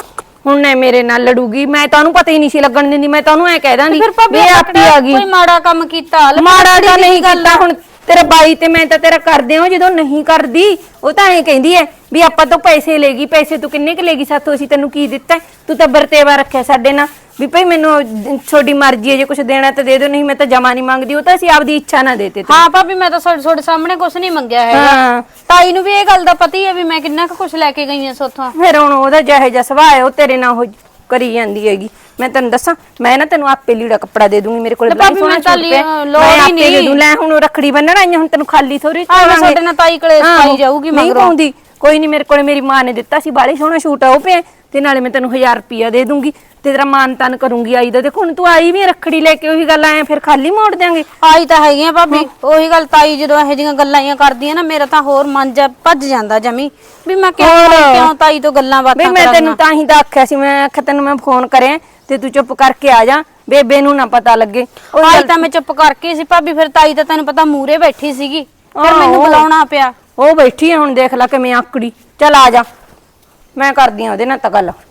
ਹੁਣ ਨੇ ਮੇਰੇ ਨਾਲ ਲੜੂਗੀ। ਮੈਂ ਤਾਂ ਉਹਨੂੰ ਪਤਾ ਹੀ ਨਹੀਂ ਸੀ ਲੱਗਣ ਦਿੰਦੀ। ਮੈਂ ਤਾਂ ਉਹਨੂੰ ਐ ਕਹਿ ਦਾਂਗੀ
ਫਿਰ ਭਾਬੀ
ਵੀ ਇਹ ਆਪੀ ਆ ਗਈ।
ਕੋਈ ਮਾੜਾ ਕੰਮ ਕੀਤਾ?
ਮਾੜਾ ਤਾਂ ਨਹੀਂ ਕੀਤਾ। ਹੁਣ ਤੇਰਾ ਬਾਈ ਤੇ ਮੈਂ ਤਾਂ ਤੇਰਾ ਕਰਦੇ ਹਾਂ। ਜਦੋਂ ਨਹੀਂ ਕਰਦੀ ਉਹ ਤਾਂ ਐਂ ਕਹਿੰਦੀ ਐ ਵੀ ਆਪਾਂ ਤੋਂ ਪੈਸੇ ਲੈਗੀ। ਪੈਸੇ ਤੂੰ ਕਿੰਨੇ ਕੁ ਲੈਗੀ ਸਾਥੋਂ? ਅਸੀਂ ਤੈਨੂੰ ਕੀ ਦਿੱਤਾ? ਤੂੰ ਤਾਂ ਵਰਤੇਵਾ ਰੱਖਿਆ ਸਾਡੇ ਨਾਲ ਵੀ ਭਾਈ ਮੈਨੂੰ ਛੋਟੀ ਮਰਜ਼ੀ ਹੈ, ਜੇ ਕੁਝ ਦੇਣਾ ਤਾਂ ਦੇ ਦਿਓ, ਨਹੀਂ ਮੈਂ ਤਾਂ ਜਮਾ ਨਹੀਂ ਮੰਗਦੀ। ਉਹ ਤਾਂ ਅਸੀਂ ਆਪਦੀ ਇੱਛਾ ਨਾਲ ਦੇਤੇ।
ਹਾਂ ਭਾਬੀ ਮੈਂ ਤਾਂ ਤੁਹਾਡੇ ਸਾਹਮਣੇ ਕੁਝ ਨਹੀਂ ਮੰਗਿਆ ਹੈਗਾ।
ਹਾਂ
ਤਾਈ ਨੂੰ ਵੀ ਇਹ ਗੱਲ ਦਾ ਪਤਾ ਹੀ ਹੈ ਵੀ ਮੈਂ ਕਿੰਨਾ ਕੁ ਕੁਝ ਲੈ ਕੇ ਗਈ ਆ ਸੋਥੋਂ।
ਫਿਰ ਹੁਣ ਉਹਦਾ ਜਿਹੋ ਜਿਹਾ ਸੁਭਾਅ ਹੈ ਉਹ ਤੇਰੇ ਨਾਲ ਉਹ ਕਰੀ ਜਾਂਦੀ ਹੈਗੀ। ਮੈਂ ਤੈਨੂੰ ਦੱਸਾਂ, ਮੈਂ ਨਾ ਤੈਨੂੰ ਆਪੇ ਲੀੜਾ ਕੱਪੜਾ ਦੇ ਦੂੰਗੀ। ਮੇਰੇ ਕੋਲ
ਭਾਬੀ ਮੈਂ ਤਾਂ ਲੋੜ ਹੀ ਨਹੀਂ
ਦੇ ਦੂੰ। ਲੈ ਹੁਣ ਰੱਖੜੀ ਬੰਨਣ ਆਈ ਹੁਣ ਤੈਨੂੰ ਖਾਲੀ ਥੋੜੀ
ਸਾਡੇ ਨਾਲ ਤਾਈ ਕਲੇਸ਼ ਪਾਈ ਜਾਊਗੀ
ਨਹੀਂ
ਮਗਰੋਂ।
ਪਾਉਂਦੀ ਕੋਈ ਨਹੀਂ। ਮੇਰੇ ਕੋਲੇ ਮੇਰੀ ਮਾਂ ਨੇ ਦਿੱਤਾ ਸੀ, ਬਾਲੇ ਸੋਹਣਾ ਸ਼ੂਟ ਆ ਉਹ ਪਿਆ, ਤੇ ਨਾਲੇ ਮੈਂ ਤੈਨੂੰ ਹਜ਼ਾਰ ਰੁਪਿਆ ਦੇ ਦੂੰਗੀ ਤੇ ਤੇਰਾ ਮਾਨ ਤਾਨ ਕਰੂੰਗੀ ਆਈ ਦਾ। ਦੇਖੋ ਹੁਣ ਤੂੰ ਆਈ ਵੀ ਰੱਖੜੀ ਲੈ ਕੇ, ਉਹੀ ਗੱਲ ਆਏ ਫਿਰ ਖਾਲੀ ਮੋੜ ਦਿਆਂਗੇ।
ਆਈ ਤਾਂ ਹੈਗੀ ਆ ਭਾਬੀ, ਉਹੀ ਗੱਲ। ਤਾਈ ਜਦੋਂ ਇਹੋ ਜਿਹੀਆਂ ਗੱਲਾਂ ਆਈਆਂ ਕਰਦੀਆਂ ਨਾ, ਮੇਰਾ ਤਾਂ ਹੋਰ ਮਨ ਜਾ ਭੱਜ ਜਾਂਦਾ ਜਮੀ ਵੀ ਮੈਂ ਕਿਉਂ ਕਿਉਂ ਤਾਈ ਤੋਂ ਗੱਲਾਂ ਬਾਤਾਂ
ਬਈ ਮੈਂ ਤੈਨੂੰ ਤਾਂ ਹੀ ਤਾਂ ਆਖਿਆ ਸੀ, ਮੈਂ ਆਖਿਆ ਤੈਨੂੰ ਮੈਂ ਫੋਨ ਕਰਿਆ ਤੇ ਤੂੰ ਚੁੱਪ ਕਰਕੇ ਆ ਜਾ, ਬੇਬੇ ਨੂੰ ਨਾ ਪਤਾ ਲੱਗੇ।
ਆਈ ਤਾਂ ਮੈਂ ਚੁੱਪ ਕਰਕੇ ਸੀ ਭਾਬੀ। ਫਿਰ ਤਾਈ ਤਾਂ ਤੈਨੂੰ ਪਤਾ ਮੂਰੇ ਬੈਠੀ ਸੀਗੀ, ਫਿਰ ਮੈਨੂੰ ਬੁਲਾਉਣਾ ਪਿਆ।
ਉਹ ਬੈਠੀ ਆ ਹੁਣ ਦੇਖ ਲੈ ਕਿਵੇਂ ਆਕੜੀ। ਚੱਲ ਆ ਜਾ, ਮੈਂ ਕਰਦੀ ਆ ਉਹਦੇ ਨਾਲ ਤਾਂ ਗੱਲ।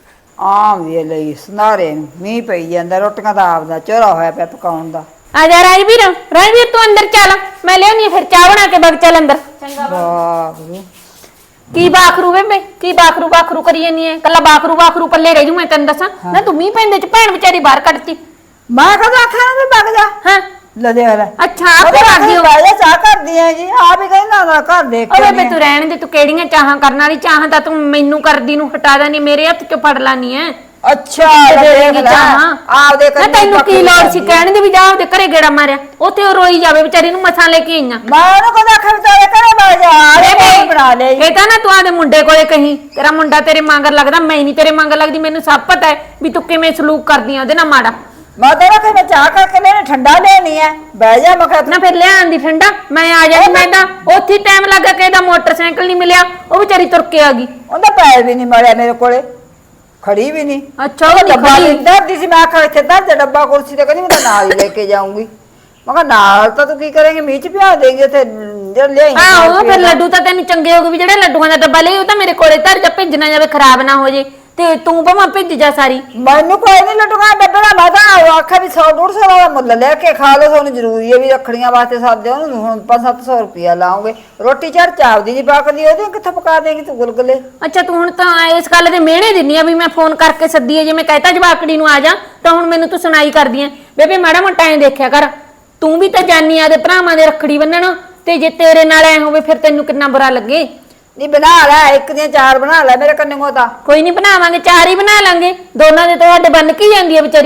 ਆਮ ਵੀ ਲਈ ਸਨਾਰੇ ਨੂੰ ਮੀਂਹ ਪਈ ਜਾਂਦਾ, ਰੋਟੀਆਂ ਦਾ ਆਪਦਾ ਚੋਰਾ ਹੋਇਆ ਪਿਆ ਪਕਾਉਣ ਦਾ।
ਆ ਜਾ ਰਾਜਵੀਰ, ਰਾਜਵੀਰ ਤੂੰ ਅੰਦਰ ਚੱਲ, ਮੈਂ ਲਿਆਉਣੀ ਆ ਫਿਰ ਚਾਹ ਬਣਾ ਕੇ ਬਗ ਚੱਲ ਅੰਦਰ।
ਵਾਹਿਗੁਰੂ
ਕੀ ਬਾਖਰੂ ਬੇਬੇ, ਕੀ ਬਾਖਰੂ ਬਾਖਰੂ ਕਰੀ ਜਾਨੀ ਐ? ਕੱਲਾ ਬਾਖਰੂ ਬਾਖਰੂ ਪੱਲੇ ਰਹਿ ਜੂ ਮੈਂ ਤੈਨੂੰ ਦੱਸਾਂ ਨਾ। ਤੂੰ ਮੀਂਹ ਪੈਂਦੇ ਚ ਭੈਣ ਵਿਚਾਰੀ ਬਾਹਰ ਕੱਢਤੀ।
ਮੈਂ ਕਦੋਂ ਆਖਿਆ ਨਾ ਵੀ ਵਗ ਜਾ।
ਹਾਂ
ਲੈ ਦੇ ਲੈ
ਅੱਛਾ ਆਪੇ ਕਰਦੀ ਹੋ।
ਬਾਜਾ ਚਾਹ ਕਰਦੀ ਹੈ ਜੀ, ਆਪ ਹੀ ਕਹਿੰਦਾ ਨਾ ਘਰ ਦੇਖ
ਓ
ਕੇ
ਬੇਬੇ ਤੂੰ ਰਹਿਣ ਦੇ, ਤੂੰ ਕਿਹੜੀਆਂ ਚਾਹਾਂ ਕਰਨ ਵਾਲੀ ਚਾਹਾਂ ਤਾਂ ਤੂੰ ਮੈਨੂੰ ਕਰਦੀ ਨੂੰ ਹਟਾ ਦੇਣੀ, ਮੇਰੇ ਹੱਥ ਚੋਂ ਫੜ ਲਾਨੀ ਐ।
ਅੱਛਾ
ਦੇਗੀ ਚਾਹਾਂ
ਆਪਦੇ
ਨਾ ਤੈਨੂੰ ਕੀ ਲੋੜ ਸੀ ਕਹਿਣ ਦੀ ਵੀ ਜਾ ਉਹਦੇ ਘਰੇ ਗੇੜਾ ਮਾਰਿਆ, ਉੱਥੇ ਉਹ ਰੋਈ ਜਾਵੇ ਵਿਚਾਰੀ ਨੂੰ ਮਸਾਂ ਲੈ ਕੇ ਆਈਆਂ।
ਮੈਂ ਉਹਨੂੰ ਕਦੋਂ ਆਖਿਆ ਵੀ ਤੇਰੇ ਘਰੇ ਵਗ ਜਾ, ਆਲੇ ਬਣਾ ਲੈ।
ਇਹ ਤਾਂ ਨਾ ਤੂੰ ਆਦੇ ਮੁੰਡੇ ਕੋਲੇ ਕਹੀਂ ਤੇਰਾ ਮੁੰਡਾ ਤੇਰੇ ਮੰਗਰ ਲੱਗਦਾ, ਮੈਂ ਨਹੀਂ ਤੇਰੇ ਮੰਗਰ ਲੱਗਦੀ। ਮੈਨੂੰ ਸਭ ਪਤਾ ਹੈ ਵੀ ਤੂੰ ਕਿਵੇਂ ਸਲੂਕ ਕਰਦੀ ਆ ਉਹਦੇ ਨਾਲ ਮਾੜਾ।
ਮੈਂ ਤੇਰਾ ਕਿ ਮੈਂ ਚਾਹ ਕਰਕੇ ਲੈਣੇ ਠੰਡਾ ਲੈਣੀ ਹੈ, ਬਹਿ ਜਾ। ਮੈਂ ਕਿਹਾ
ਨਾ ਫਿਰ ਲਿਆਣ ਦੀ ਠੰਡਾ, ਮੈਂ ਆ ਜਾਣੀ। ਮੈਂ ਤਾਂ ਉੱਥੇ ਟਾਈਮ ਲੱਗਾ ਕਿ ਇਹਦਾ ਮੋਟਰਸਾਈਕਲ ਨਹੀਂ ਮਿਲਿਆ, ਉਹ ਵਿਚਾਰੀ ਤੁਰ ਕੇ ਆ ਗਈ।
ਉਹਦਾ ਪੈਰ ਵੀ ਨਹੀਂ ਮੜਿਆ ਮੇਰੇ ਕੋਲੇ, ਖੜੀ ਵੀ ਨਹੀਂ।
ਅੱਛਾ ਉਹ
ਡੱਬਾ
ਖੜੀ
ਲੈਂਦੀ ਸੀ, ਮੈਂ ਆਖਿਆ ਇੱਥੇ ਧਰ ਦੇ ਡੱਬਾ ਕੁਰਸੀ ਤੇ, ਕਹਿੰਦੀ ਮੈਂ ਤਾਂ ਨਾਲ ਹੀ ਲੈ ਕੇ ਜਾਊਂਗੀ। ਮੈਂ ਕਿਹਾ ਨਾਲ ਤਾਂ ਤੂੰ ਕੀ ਕਰੇਂਗੇ, ਮੀਂਹ ਚ ਪਿਆ ਦੇਂਗੇ ਉੱਥੇ ਜਿਹੜਾ ਲਿਆਈ।
ਆਹੋ ਫਿਰ ਲੱਡੂ ਤਾਂ ਤੈਨੂੰ ਚੰਗੇ ਹੋ ਗਏ ਵੀ ਜਿਹੜੇ ਲੱਡੂਆਂ ਦਾ ਡੱਬਾ ਲਈ ਉਹ ਤਾਂ ਮੇਰੇ ਕੋਲੇ ਧਰ ਜਾ, ਭਿੱਜ ਨਾ ਜਾਵੇ, ਖਰਾਬ ਨਾ ਹੋ ਜੇ। ਤੇ ਤੂੰ ਭਾਵੇਂ ਭਿੱਜ ਜਾ ਸਾਰੀ।
ਮੈਨੂੰ ਕੋਈ ਨਹੀਂ ਲੱਡੂਗਾ ਡੱਬੇ ਦਾ, ਮੈਂ ਤਾਂ ਆਖਿਆ ਵੀ ਸੌ ਡੂਢ ਸੌ ਦਾ ਮੁੱਲ ਲੈ ਕੇ ਖਾ ਲਓ, ਤੁਹਾਨੂੰ ਜ਼ਰੂਰੀ ਹੈ ਵੀ ਰੱਖੜੀਆਂ ਵਾਸਤੇ ਸਾਦੇ ਉਹਨੂੰ ਹੁਣ ਪੰਜ ਸੱਤ ਸੌ ਰੁਪਇਆ ਲਾਉਂਗੇ। ਰੋਟੀ ਚਾਰ ਚਾਵਦੀ ਨਹੀਂ ਪੱਕਦੀ, ਉਹਦੀ ਕਿੱਥੋਂ ਪਕਾ ਦੇਂਗੀ ਤੂੰ ਗੁਲਗੁਲੇ?
ਅੱਛਾ ਤੂੰ ਹੁਣ ਤਾਂ ਇਸ ਗੱਲ ਦੇ ਮਿਹਣੇ ਦਿੰਨੀ ਆ ਵੀ ਮੈਂ ਫੋਨ ਕਰਕੇ ਸੱਦੀ ਆ, ਜੇ ਮੈਂ ਕਹਿਤਾ ਜਵਾਕੜੀ ਨੂੰ ਆ ਜਾ ਤਾਂ ਹੁਣ ਮੈਨੂੰ ਤੂੰ ਸੁਣਾਈ ਕਰਦੀ ਆ। ਬੇਬੇ ਮਾੜਾ ਮੋਟਾ ਐਂ ਦੇਖਿਆ ਕਰ, ਤੂੰ ਵੀ ਤਾਂ ਜਾਨੀ ਆ ਦੇ ਭਰਾਵਾਂ ਦੇ ਰੱਖੜੀ ਬੰਨਣ, ਤੇ ਜੇ ਤੇਰੇ ਨਾਲ ਐ ਹੋਵੇ ਫਿਰ ਤੈਨੂੰ ਕਿੰਨਾ ਬੁਰਾ ਲੱਗੇ।
ਨਹੀਂ ਬਣਾ ਲੈ, ਇੱਕ ਦੀਆਂ ਚਾਰ ਬਣਾ ਲੈ ਮੇਰੇ ਕੰਨੋਂ ਤਾਂ।
ਕੋਈ ਨਹੀਂ ਬਣਾਵਾਂਗੇ, ਚਾਰ ਹੀ ਬਣਾ ਲਾਂਗੇ, ਦੋਨਾਂ ਦੇ ਤੁਹਾਡੇ ਬੰਨ ਕੀ ਜਾਂਦੀ ਆ ਵਿਚਾਰੀ।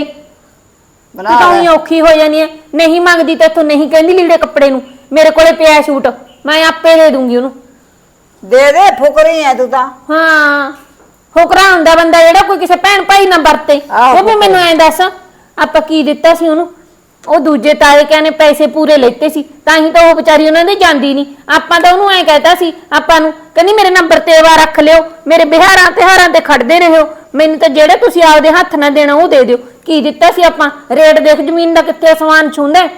ਬਣਾ
ਤਾਂ
ਲੈ
ਹੀ ਔਖੀ ਹੋ ਜਾਨੀ ਐ, ਨਹੀਂ ਮੰਗਦੀ ਤੇ ਤੂੰ ਨਹੀਂ ਕਹਿੰਦੀ ਲੀੜੇ ਕੱਪੜੇ ਨੂੰ, ਮੇਰੇ ਕੋਲੇ ਪਿਆ ਸ਼ੂਟ, ਮੈਂ ਆਪੇ ਦੇ ਦੂੰਗੀ ਉਹਨੂੰ।
ਦੇ ਦੇ, ਫੁਕਰੀ ਐ ਤੂੰ ਤਾਂ।
ਹਾਂ ਹੋਕਰਾ ਹੁੰਦਾ ਬੰਦਾ ਜਿਹੜਾ ਕੋਈ ਕਿਸੇ ਭੈਣ ਭਾਈ ਨਾਲ ਵਰਤੇ।
ਆਹੋ,
ਉਹ ਵੀ ਮੈਨੂੰ ਐਂ ਦੱਸ ਆਪਾਂ ਕੀ ਦਿੱਤਾ ਸੀ ਉਹਨੂੰ? ਉਹ ਦੂਜੇ ਤਾਏ ਕਹਿੰਦੇ ਪੈਸੇ ਪੂਰੇ ਲੈਤੇ ਸੀ, ਤਾਂ ਹੀ ਤਾਂ ਉਹ ਵਿਚਾਰੀ ਉਹਨਾਂ ਦੇ ਜਾਂਦੀ ਨਹੀਂ। ਆਪਾਂ ਤਾਂ ਉਹਨੂੰ ਐਂ ਕਹਿਤਾ ਸੀ, ਆਪਾਂ ਨੂੰ ਕਹਿੰਦੀ ਮੇਰੇ ਨੰਬਰ ਤੇ ਵਾ ਰੱਖ ਲਿਓ, ਮੇਰੇ ਬਿਹਾਰਾਂ ਤਿਹਾਰਾਂ ਤੇ ਖੜਦੇ ਰਹੋ, ਮੈਨੂੰ ਤਾਂ ਜਿਹੜੇ ਤੁਸੀਂ ਆਪਦੇ ਹੱਥ ਨਾਲ ਦੇਣਾ ਉਹ ਦੇ ਦਿਓ। ਕੀ ਦਿੱਤਾ ਸੀ ਆਪਾਂ? ਰੇਟ ਦੇਖ ਜ਼ਮੀਨ ਦਾ ਕਿੱਥੇ ਅਸਮਾਨ ਛੂੰਦਾ,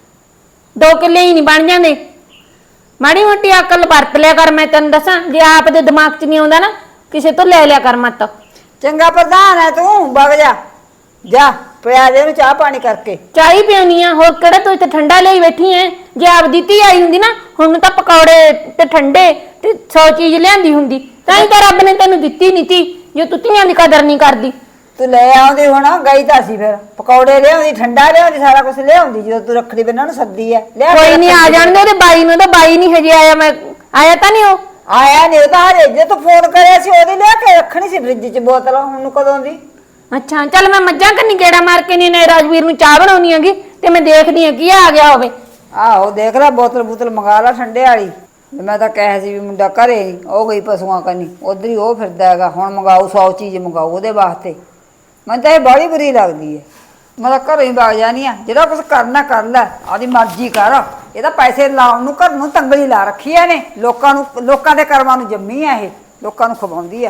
ਦੋ ਕਿੱਲੇ ਹੀ ਨਹੀਂ ਬਣ ਜਾਂਦੇ। ਮਾੜੀ ਮੋਟੀ ਅਕਲ ਵਰਤ ਲਿਆ ਕਰ, ਮੈਂ ਤੈਨੂੰ ਦੱਸਾਂ ਜੇ ਆਪ ਦੇ ਦਿਮਾਗ 'ਚ ਨਹੀਂ ਆਉਂਦਾ ਨਾ ਕਿਸੇ ਤੋਂ ਲੈ ਲਿਆ ਕਰ ਮਤ।
ਚੰਗਾ ਪ੍ਰਧਾਨ ਹੈ ਤੂੰ, ਵਗ ਜਾ ਜਾ, ਪਿਆ ਦੇ ਨੂੰ ਚਾਹ ਪਾਣੀ ਕਰਕੇ।
ਚਾਹ ਹੀ ਪਿਉਣੀ ਆ, ਹੋਰ ਕਿਹੜਾ ਤੂੰ ਇੱਥੇ ਠੰਡਾ ਲਈ ਬੈਠੀ ਐ? ਜੇ ਆਪਦੀ ਧੀ ਆਈ ਹੁੰਦੀ ਨਾ ਹੁਣ ਤਾਂ ਪਕੌੜੇ ਤੇ ਠੰਡੇ ਤੇ ਸੌ ਚੀਜ਼ ਲਿਆਂਦੀ ਹੁੰਦੀ, ਤਾਂ ਹੀ ਤਾਂ ਰੱਬ ਨੇ ਤੈਨੂੰ ਦਿੱਤੀ ਨਹੀਂ ਤੀ, ਜੋ ਤੂੰ ਧੀਆਂ ਦੀ ਕਦਰ ਨਹੀਂ ਕਰਦੀ।
ਤੂੰ ਲੈ ਆਉਂਦੀ ਹੁਣ, ਗਈ ਤਾਂ ਸੀ ਫਿਰ ਪਕੌੜੇ ਲਿਆਉਂਦੀ, ਠੰਡਾ ਲਿਆਉਂਦੀ, ਸਾਰਾ ਕੁਝ ਲਿਆਉਂਦੀ ਜਦੋਂ ਤੂੰ ਰੱਖੜੀ ਬੰਨਣ ਨੂੰ ਸੱਦੀ ਐ।
ਕੋਈ ਨਹੀਂ ਆ ਜਾਣਦੇ ਉਹਦੇ ਬਾਈ ਨੂੰ, ਤਾਂ ਬਾਈ ਨਹੀਂ ਹਜੇ ਆਇਆ। ਮੈਂ ਆਇਆ ਤਾਂ ਨਹੀਂ ਉਹ
ਆਇਆ ਨਹੀਂ, ਉਹ ਤਾਂ ਹਜੇ ਜੇ ਤੂੰ ਫੋਨ ਕਰਿਆ ਸੀ ਉਹਦੀ ਲਿਆ ਕੇ ਰੱਖਣੀ ਸੀ ਫ੍ਰਿਜ 'ਚ ਬੋਤਲ, ਹੁਣ ਕਦੋਂ ਦੀ?
ਅੱਛਾ ਚੱਲ ਮੈਂ ਮੱਝਾਂ ਕੰਨੀ ਗੇੜਾ ਮਾਰ ਕੇ ਨਹੀਂ ਨੇ ਰਾਜਵੀਰ ਨੂੰ ਚਾਹ ਬਣਾਉਣੀ ਹੈਗੀ, ਤੇ ਮੈਂ ਦੇਖਦੀ ਆ ਕੀ ਆ ਗਿਆ ਹੋਵੇ।
ਆਹੋ ਦੇਖ ਲੈ, ਬੋਤਲ ਬੋਤਲ ਮੰਗਾ ਲਾ ਠੰਡੇ ਵਾਲੀ। ਮੈਂ ਤਾਂ ਕਹਿਆ ਸੀ ਵੀ ਮੁੰਡਾ ਘਰੇ ਨੀ, ਉਹ ਗਈ ਪਸ਼ੂਆਂ ਕੰਨੀ, ਉਧਰ ਹੀ ਉਹ ਫਿਰਦਾ ਹੈਗਾ। ਹੁਣ ਮੰਗਾਊ ਸੌ ਚੀਜ਼ ਮੰਗਾਊ ਉਹਦੇ ਵਾਸਤੇ। ਮੈਨੂੰ ਤਾਂ ਇਹ ਬੜੀ ਬੁਰੀ ਲੱਗਦੀ ਹੈ। ਮੈਂ ਤਾਂ ਘਰੋਂ ਹੀ ਵਗ ਜਾਨੀ ਆ, ਜਿਹੜਾ ਕੁਝ ਕਰਨਾ ਕਰ ਲੈ, ਆਪਦੀ ਮਰਜ਼ੀ ਕਰ। ਇਹ ਤਾਂ ਪੈਸੇ ਲਾਉਣ ਨੂੰ ਘਰ ਨੂੰ ਤੰਗਲੀ ਲਾ ਰੱਖੀ ਐ ਨੇ, ਲੋਕਾਂ ਨੂੰ, ਲੋਕਾਂ ਦੇ ਕਰਮਾਂ ਨੂੰ ਜੰਮੀ ਆ ਇਹ, ਲੋਕਾਂ ਨੂੰ ਖਵਾਉਂਦੀ ਆ।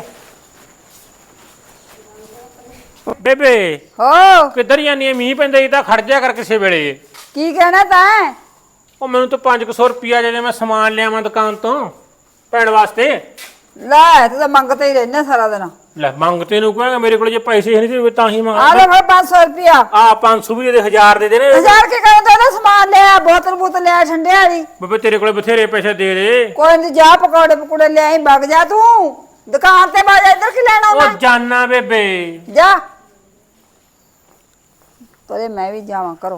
ਬੇਬੇ
ਹੋ
ਕਿੱਧਰ ਜਾਨੀ ਐ? ਮੀਂਹ ਪੈਂਦਾ ਜੀ ਤਾਂ ਖੜ ਜਾ ਕਰ ਕਿਸੇ ਵੇਲੇ।
ਕੀ ਕਹਿਣਾ ਤੈਂ?
ਉਹ ਮੈਨੂੰ ਤਾਂ ਪੰਜ ਸੌ ਰੁਪਿਆ ਜੇ ਮੈਂ ਸਮਾਨ ਲਿਆਵਾਂ ਦੁਕਾਨ ਤੋਂ ਭੈਣ ਵਾਸਤੇ।
ਲੈ ਤੂੰ ਤਾਂ ਮੰਗਤੇ ਹੀ ਰਹਿਣਾ ਸਾਰਾ ਦਿਨ।
ਲੈ ਮੰਗਤੇ ਨੂੰ ਕਹਾਂਗਾ, ਮੇਰੇ ਕੋਲ ਜੇ ਪੈਸੇ ਨਹੀਂ ਸੀ ਤਾਂ ਹੀ
ਆ
ਮੰਗਾ।
ਲੈ ਫਿਰ ਪੰਜ ਸੌ ਰੁਪਇਆ।
ਆ ਪੰਜ ਸੌ ਵੀ ਦੇ, ਹਜ਼ਾਰ ਦੇ ਦੇ ਨੇ।
ਹਜ਼ਾਰ ਕੇ ਕਹਿੰਦਾ ਉਹਦਾ ਸਮਾਨ ਲਿਆ, ਬੋਤਲ ਬੋਤਲ ਲਿਆ ਠੰਡੇ ਵਾਲੀ।
ਬੇਬੇ ਤੇਰੇ ਕੋਲ ਬਥੇਰੇ ਪੈਸੇ ਦੇ ਦੇ।
ਕੋਈ ਨਹੀਂ, ਜਾ ਪਕੌੜੇ ਪਕੌੜੇ ਲਿਆਈ, ਵਗ ਜਾ ਤੂੰ ਦੁਕਾਨ ਤੇ। ਵਗ ਜਾ, ਇੱਧਰ ਕੀ ਲੈਣਾ
ਉਹ
ਮੈਂ?
ਜਾਨਾ ਬੇਬੇ।
ਜਾ ਪਰੇ, ਮੈਂ ਵੀ ਜਾਵਾਂ ਕਰੋ।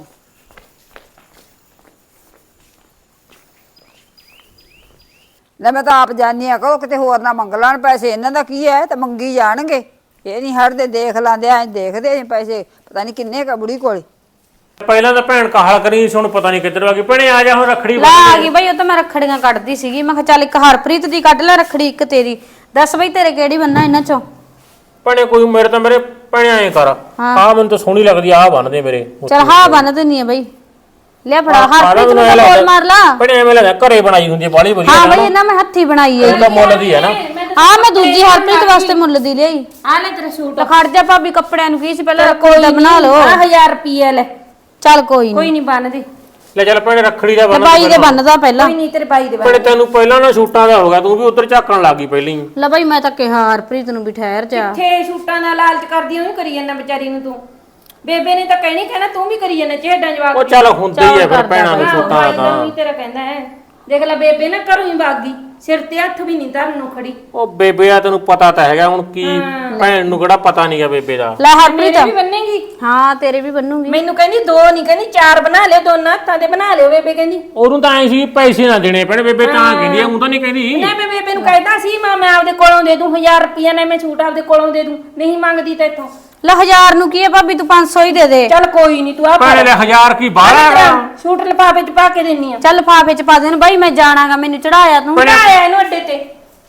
ਲੈ ਮੈਂ ਤਾਂ ਆਪ ਜਾਣੀ ਆ, ਕਰੋ ਕਿਤੇ ਹੋਰ ਨਾ ਮੰਗ ਲੈਣ ਪੈਸੇ। ਇਹਨਾਂ ਦਾ ਕੀ ਹੈ, ਤੇ ਮੰਗੀ ਜਾਣਗੇ, ਇਹ ਨਹੀਂ ਹਟਦੇ। ਦੇਖ ਲਾਂਦੇ ਐ, ਦੇਖਦੇ ਐ ਪੈਸੇ ਪਤਾ ਨਹੀਂ ਕਿੰਨੇ ਕਾ ਬੁੜੀ ਕੋਲੇ।
ਪਹਿਲਾਂ ਤਾਂ ਭੈਣ ਕਾਹਲ ਕਰੀ ਸੀ, ਹੁਣ ਪਤਾ ਨਹੀਂ ਕਿੱਧਰ ਆ ਗਈ। ਭੈਣੇ ਆ ਜਾ ਹੁਣ ਰੱਖੜੀ
ਲਾ ਆ ਗਈ ਬਈ, ਉਹ ਤਾਂ ਮੈਂ ਰੱਖੜੀਆਂ ਕੱਢਦੀ ਸੀਗੀ। ਮੈਂ ਕਿਹਾ ਚੱਲ ਇੱਕ ਹਰਪ੍ਰੀਤ ਦੀ ਕੱਢ ਲੈ ਰੱਖੜੀ, ਇੱਕ ਤੇਰੀ। ਦੱਸ ਬਈ ਤੇਰੇ ਕਿਹੜੀ ਬੰਨਾ ਇਹਨਾਂ ਚੋਂ?
ਭੈਣੇ ਕੋਈ ਮੇਰੇ ਤਾਂ ਮੇਰੇ ਭੈਣੇ ਐਂ ਕਰ, ਆਹ ਮੈਨੂੰ ਤਾਂ ਸੋਹਣੀ ਲੱਗਦੀ, ਆਹ ਬੰਨਦੇ ਮੇਰੇ।
ਚੱਲ ਹਾਂ ਬੰਨ ਦਿੰਨੀ ਆ ਬਈ, ਲੈ ਫੜਾ ਹਰਪ੍ਰੀਤ ਨੂੰ ਤਾਂ ਬੋਲ ਮਾਰ ਲਾ।
ਭੈਣੇ ਐਵੇਂ ਲੱਗਦਾ ਘਰੇ ਬਣਾਈ ਹੁੰਦੀ, ਬਾਲੀ ਵਧੀਆ।
ਹਾਂ ਬਈ ਇਹਨਾਂ ਮੈਂ ਹੱਥੀ ਬਣਾਈ ਹੈ।
ਇਹਦਾ ਮੁੱਲ ਦੀ ਹੈ ਨਾ।
ਹਾਂ ਮੈਂ ਦੂਜੀ ਹਰਪ੍ਰੀਤ ਵਾਸਤੇ ਮੁੱਲ ਦੀ ਲਈ।
ਆ ਲੈ ਤੇਰਾ ਸੂਟ।
ਖੜ ਜਾ ਭਾਬੀ, ਕੱਪੜਿਆਂ ਨੂੰ ਕੀ ਸੀ ਪਹਿਲਾਂ ਰੱਖੜੀ ਦਾ ਬਣਾ ਲਓ।
ਆ ਹਜ਼ਾਰ ਰੁਪਏ ਲੈ,
ਚੱਲ ਕੋਈ
ਕੋਈ
ਨਹੀਂ।
ਨਹੀਂ ਬੰਨਦੀ।
ਲੈ ਚੱਲ ਭੈਣੇ ਰੱਖੜੀ ਦਾ
ਤੇ
ਬੰਨ
ਬਾਈ ਦੇ ਬੰਨਦਾ ਪਹਿਲਾਂ
ਕੋਈ ਨਹੀਂ ਤੇਰੇ ਬਾਈ ਦੇ
ਭੈਣੇ ਤੈਨੂੰ ਪਹਿਲਾਂ ਨਾ ਛੂਟਾਂ ਦਾ ਹੋ ਗਿਆ ਤੂੰ ਵੀ ਉਧਰ ਝਾਕਣ ਲੱਗੀ ਪਹਿਲਾਂ ਹੀ
ਲੈ ਬਾਈ ਮੈਂ ਤਾਂ ਕਿਹਾ ਹਰਪ੍ਰੀਤ ਨੂੰ ਵੀ ਠਹਿਰ ਜਾ
ਕਿੱਥੇ ਸ਼ੂਟਾਂ ਨਾਲ ਲਾਲਚ ਕਰਦੀ ਉਹਨੂੰ ਕਰੀ ਜਾਂਦਾ ਵਿਚਾਰੀ ਨੂੰ ਤੂੰ ਬੇਬੇ ਨੇ ਤਾਂ ਕਹਿਣੀ ਕਹਿਣਾ ਤੂੰ ਵੀ ਕਰੀ ਜਾਂਦਾ ਚਿਹੜਾਂ ਜਵਾਬ
ਉਹ ਚੱਲ ਹੁੰਦੀ ਹੀ ਆ ਫਿਰ ਭੈਣਾਂ ਨੂੰ ਛੂਟਾਂ ਦਾ ਤਾਂ
ਤਾਂ ਤੇਰਾ ਕਹਿੰਦਾ ਹੈ ਦੇਖ ਲੈ ਬੇਬੇ ਨਾ ਘਰੋਂ ਹੀ ਭਾਗੀ ਸਿਰ ਤੇ ਹੱਥ ਵੀ ਨਹੀਂ ਧਰਨ ਨੂੰ ਖੜੀ
ਉਹ ਬੇਬੇ ਆ ਤੈਨੂੰ ਪਤਾ ਤਾਂ ਹੈਗਾ ਹੁਣ ਕੀ ਭੈਣ ਨੂੰ ਕਿਹੜਾ ਪਤਾ ਨਹੀਂਗਾ ਬੇਬੇ ਦਾ
ਲੈ ਹਰਪ੍ਰੀਤ
ਮੇਰੇ ਵੀ ਬੰਨੇਗੀ
ਹਾਂ ਤੇਰੇ ਵੀ ਬੰਨੂਗੀ
ਮੈਨੂੰ ਕਹਿੰਦੀ ਦੋ ਨਹੀਂ ਕਹਿੰਦੀ ਚਾਰ ਬਣਾ ਲਿਓ ਦੋਨਾਂ ਹੱਥਾਂ ਦੇ ਬਣਾ ਲਿਓ ਬੇਬੇ ਕਹਿੰਦੀ
ਉਹਨੂੰ ਤਾਂ ਐ ਸੀ ਪੈਸੇ ਨਾ ਦੇਣੇ ਪੈਣ ਬੇਬੇ ਤਾਂ ਕਹਿੰਦੀ ਆ ਉਹ ਤਾਂ ਨਹੀਂ ਕਹਿੰਦੀ
ਨਾ ਮੈਂ ਬੇਬੇ ਨੂੰ ਕਹਿੰਦਾ ਸੀ ਮਾਂ ਮੈਂ ਆਪਦੇ ਕੋਲੋਂ ਦੇ ਦੂੰ ਹਜ਼ਾਰ ਰੁਪਈਆ ਨਾ ਮੈਂ ਛੂਟ ਆਪਦੇ ਕੋਲੋਂ ਦੇ ਦੂੰ ਨਹੀਂ ਮੰਗਦੀ ਤਾਂ ਇੱਥੋਂ
ਲੈ ਹਜ਼ਾਰ ਨੂੰ ਕੀ ਹੈ ਭਾਬੀ ਤੂੰ ਪੰਜ ਸੌ ਹੀ ਦੇ ਦੇ
ਚੱਲ ਕੋਈ ਨਹੀਂ ਤੂੰ ਆ
ਭੈਣੇ ਲੈ ਹਜ਼ਾਰ ਕੀ ਬਾਹਰ ਹੈਗਾ
ਛੂਟ ਲਿਫਾਫੇ ਚ ਪਾ ਕੇ ਦਿੰਨੀ ਆ
ਚੱਲ ਲਿਫਾਫੇ ਚ ਪਾ ਦੇਣ ਬਾਈ ਮੈਂ ਜਾਣਾਗਾ ਮੈਨੂੰ ਚੜਾਇਆ ਤੂੰ
ਆਇਆ ਇਹਨੂੰ ਅੱਡੇ ਤੇ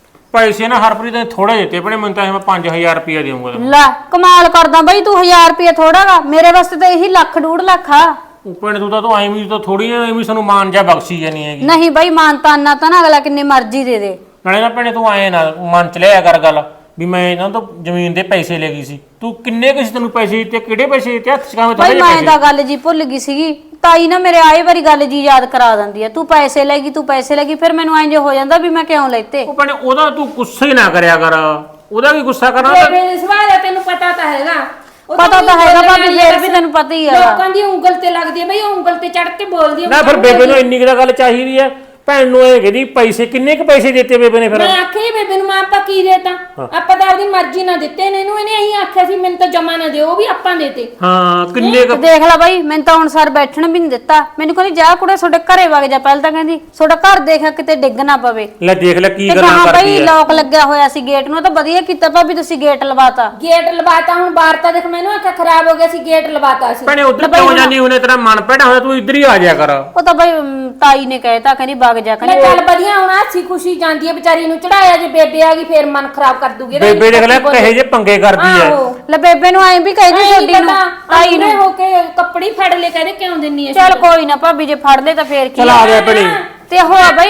ਪੈਸੇ ਨਾ ਹਰਪ੍ਰੀਤ ਨੇ ਥੋੜੇ ਦਿੱਤੇ ਭੈਣੇ ਮੈਨੂੰ ਤਾਂ ਇਹ ਮੈਂ ਪੰਜ ਹਜ਼ਾਰ ਰੁਪਇਆ ਦੇਵਾਂਗਾ ਤੈਨੂੰ।
ਲੈ ਕਮਾਲ ਕਰਦਾ ਬਾਈ ਤੂੰ ਹਜ਼ਾਰ ਰੁਪਏ ਥੋੜਾਗਾ ਮੇਰੇ ਵਾਸਤੇ ਤਾਂ ਇਹੀ ਲੱਖ ਡੂਢ ਲੱਖ ਆ
ਉਹ ਭੈਣੇ ਤੂੰ ਤਾਂ ਤੂੰ ਐਵੇਂ ਹੀ ਤਾਂ ਥੋੜੀ ਐਵੇਂ ਸਾਨੂੰ ਮਾਨ ਜਾ ਬਖਸ਼ੀ ਜਾਨੀ ਹੈਗੀ
ਨਹੀਂ ਬਾਈ ਮਾਨਤਾਨਾ ਤਾਂ ਨਾ ਅਗਲਾ ਕਿੰਨੇ ਮਰਜ਼ੀ ਦੇ ਦੇ
ਨਾਲੇ ਨਾ ਭੈਣੇ ਤੂੰ ਐ ਨਾ ਮਨ ਚ ਲਿਆ ਕਰ ਗੱਲ ਵੀ ਮੈਂ ਇਹਨਾਂ ਤੋਂ ਜ਼ਮੀਨ ਦੇ ਪੈਸੇ ਲੈ ਗਈ ਸੀ ਤੂੰ ਕਿੰਨੇ ਕੁ ਸੀ ਤੈਨੂੰ ਪੈਸੇ ਦਿੱਤੇ ਕਿਹੜੇ ਪੈਸੇ ਦਿੱਤੇ ਹੱਥ ਚ ਕਾਵੇਂ ਥੋੜੇ
ਬਾਈ
ਜਿਹੇ
ਮੈਂ
ਪੈਸੇ
ਤਾਂ ਗੱਲ ਜੀ ਭੁੱਲ ਗਈ ਸੀਗੀ ਤਾਈ ਨਾ ਮੇਰੇ ਆਏ ਵਾਰੀ ਗੱਲ ਜੀ ਯਾਦ ਕਰਾ ਦਿੰਦੀ ਆ ਤੂੰ ਪੈਸੇ ਲੈ ਗਈ ਤੂੰ ਪੈਸੇ ਲੈ ਗਈ ਫਿਰ ਮੈਨੂੰ ਇੰਜ ਹੋ ਜਾਂਦਾ ਵੀ ਮੈਂ ਕਿਉਂ ਲੈਤੇ
ਉਹ ਭੈਣੇ ਉਹਦਾ ਤੂੰ ਗੁੱਸੇ ਨਾ ਕਰਿਆ ਕਰ ਉਹਦਾ ਵੀ ਗੁੱਸਾ ਕਰਨਾ ਤਾਂ
ਬੇਬੇ ਦੇ ਸਵਾਲ ਹੈ ਤੈਨੂੰ ਪਤਾ ਤਾਂ ਹੈਗਾ ਉਹ
ਪਤਾ ਤਾਂ
ਊਂ
ਹੈਗਾ
ਬੋਲਣ
ਭਾਬੀ,
ਵਾਲੀ
ਫੇਰ
ਬਸ
ਵੀ ਤੈਨੂੰ ਪਤਾ ਹੀ ਆ।
ਲੋਕਾਂ ਦੀ ਉਂਗਲ ਤੇ ਲੱਗਦੀ ਹੈ ਬਈ ਉਹ ਉਂਗਲ ਤੇ ਚੜ ਕੇ ਬੋਲਦੀ ਹੈ
ਨਾ ਫਿਰ ਬੇਬੇ ਨੂੰ ਇੰਨੀ ਕੁ ਤਾਂ ਗੱਲ ਚਾਹੀਦੀ ਹੈ ਭੈਣ ਨੂੰ ਇਹ ਕਹਿੰਦੀ ਪੈਸੇ ਕਿੰਨੇ ਕੁ ਪੈਸੇ ਦਿੱਤੇ ਬੇਬੇ ਨੇ ਫਿਰ
ਮੈਂ ਆਖਿਆ ਬੇਬੇ ਨੂੰ ਮੈਂ ਆਪਾਂ ਕੀ ਦੇਤਾ ਆਪਾਂ ਤਾਂ ਆਪਦੀ ਮਰਜ਼ੀ ਨਾਲ ਦਿੱਤੇ ਨੇ ਇਹਨੂੰ ਇਹਨੇ ਇਹੀ ਆਖਿਆ ਸੀ ਮੈਨੂੰ ਤਾਂ ਜਮਾ ਨਾ ਦਿਓ ਉਹ ਵੀ ਆਪਾਂ ਦੇਤੇ
ਹਾਂ ਕਿੰਨੇ ਕੁ
ਦੇਖ ਲੈ ਬਾਈ ਮੈਨੂੰ ਤਾਂ ਹੁਣ ਸਰ ਬੈਠਣ ਵੀ ਨਹੀਂ ਦਿੱਤਾ ਮੈਨੂੰ ਕਹਿੰਦੀ ਜਾ ਕੁੜੇ ਤੁਹਾਡੇ ਘਰੇ ਵਗ ਜਾ ਪਹਿਲਾਂ ਤਾਂ ਕਹਿੰਦੀ ਤੁਹਾਡਾ ਘਰ ਦੇਖਿਆ ਕਿਤੇ ਡਿੱਗ ਨਾ ਪਵੇ
ਲੈ ਦੇਖ ਲੈ ਕੀ
ਤੇ
ਗੱਲਾਂ
ਕਹਾਂ
ਕਰਦੀ
ਬਾਈ
ਹੈ
ਲੋਕ ਲੱਗਿਆ ਹੋਇਆ ਸੀ ਗੇਟ ਨੂੰ ਤਾਂ ਵਧੀਆ ਕੀਤਾ ਭਾਬੀ ਤੁਸੀਂ ਗੇਟ ਲਵਾਤਾ
ਗੇਟ ਲਵਾਤਾ ਹੁਣ ਬਾਹਰ ਤਾਂ ਦੇਖ ਮੈਨੂੰ ਆਖਿਆ ਖਰਾਬ ਹੋ ਗਿਆ ਸੀ ਗੇਟ ਲਵਾਤਾ ਸੀ
ਭੈਣੇ ਉਧਰ ਕਿਉਂ ਜਾਨੀ ਉਹਨੇ ਤੇਰਾ ਮਨ ਭੈੜਾ ਹੋਇਆ ਤੂੰ ਇੱਧਰ ਹੀ ਆ ਜਾਇਆ ਕਰ
ਉਹ ਤਾਂ ਬਾਈ ਅਮ, ਤਾਈ ਨੇ ਕਹਿਤਾ ਕਹਿੰਦੀ ਵਗ ਜਾ
ਮੈਂ
ਕਹਿੰਦੀ
ਚੱਲ ਵਧੀਆ ਹੁਣ ਹਾਸੀ ਖੁਸ਼ੀ ਜਾਂਦੀ ਹੈ ਵਿਚਾਰੀ ਨੂੰ ਚੜਾਇਆ ਜੇ ਬੇਬੇ ਆ ਗਈ ਫੇਰ ਮਨ ਖਰਾਬ ਕਰ ਦੂਗੀ ਇਹਦਾ
ਬੇਬੇ ਦੇਖ ਲੈ ਕਹੇ ਜੇ ਪੰਗੇ ਕਰਦੀ ਹੈ
ਆਹੋ।
ਲੈ ਬੇਬੇ ਨੂੰ ਐਂ ਵੀ ਕਹਿੰਦੀ ਛੋਡੀ ਨੂੰ ਤਾਈ ਨੂੰ
ਹੋ ਕੇ ਕੱਪੜੀ ਫੜ ਲੈ ਕਹਿੰਦੇ ਕਿਉਂ ਦਿੰਨੀ ਐ
ਚੱਲ ਕੋਈ ਨਾ ਭਾਬੀ ਜੇ ਫੜ ਲੈ ਤਾਂ ਫੇਰ ਕੀ
ਚਲ ਆ ਗਿਆ ਭੈਣੇ
ਤੇ ਹੋ ਬਾਈ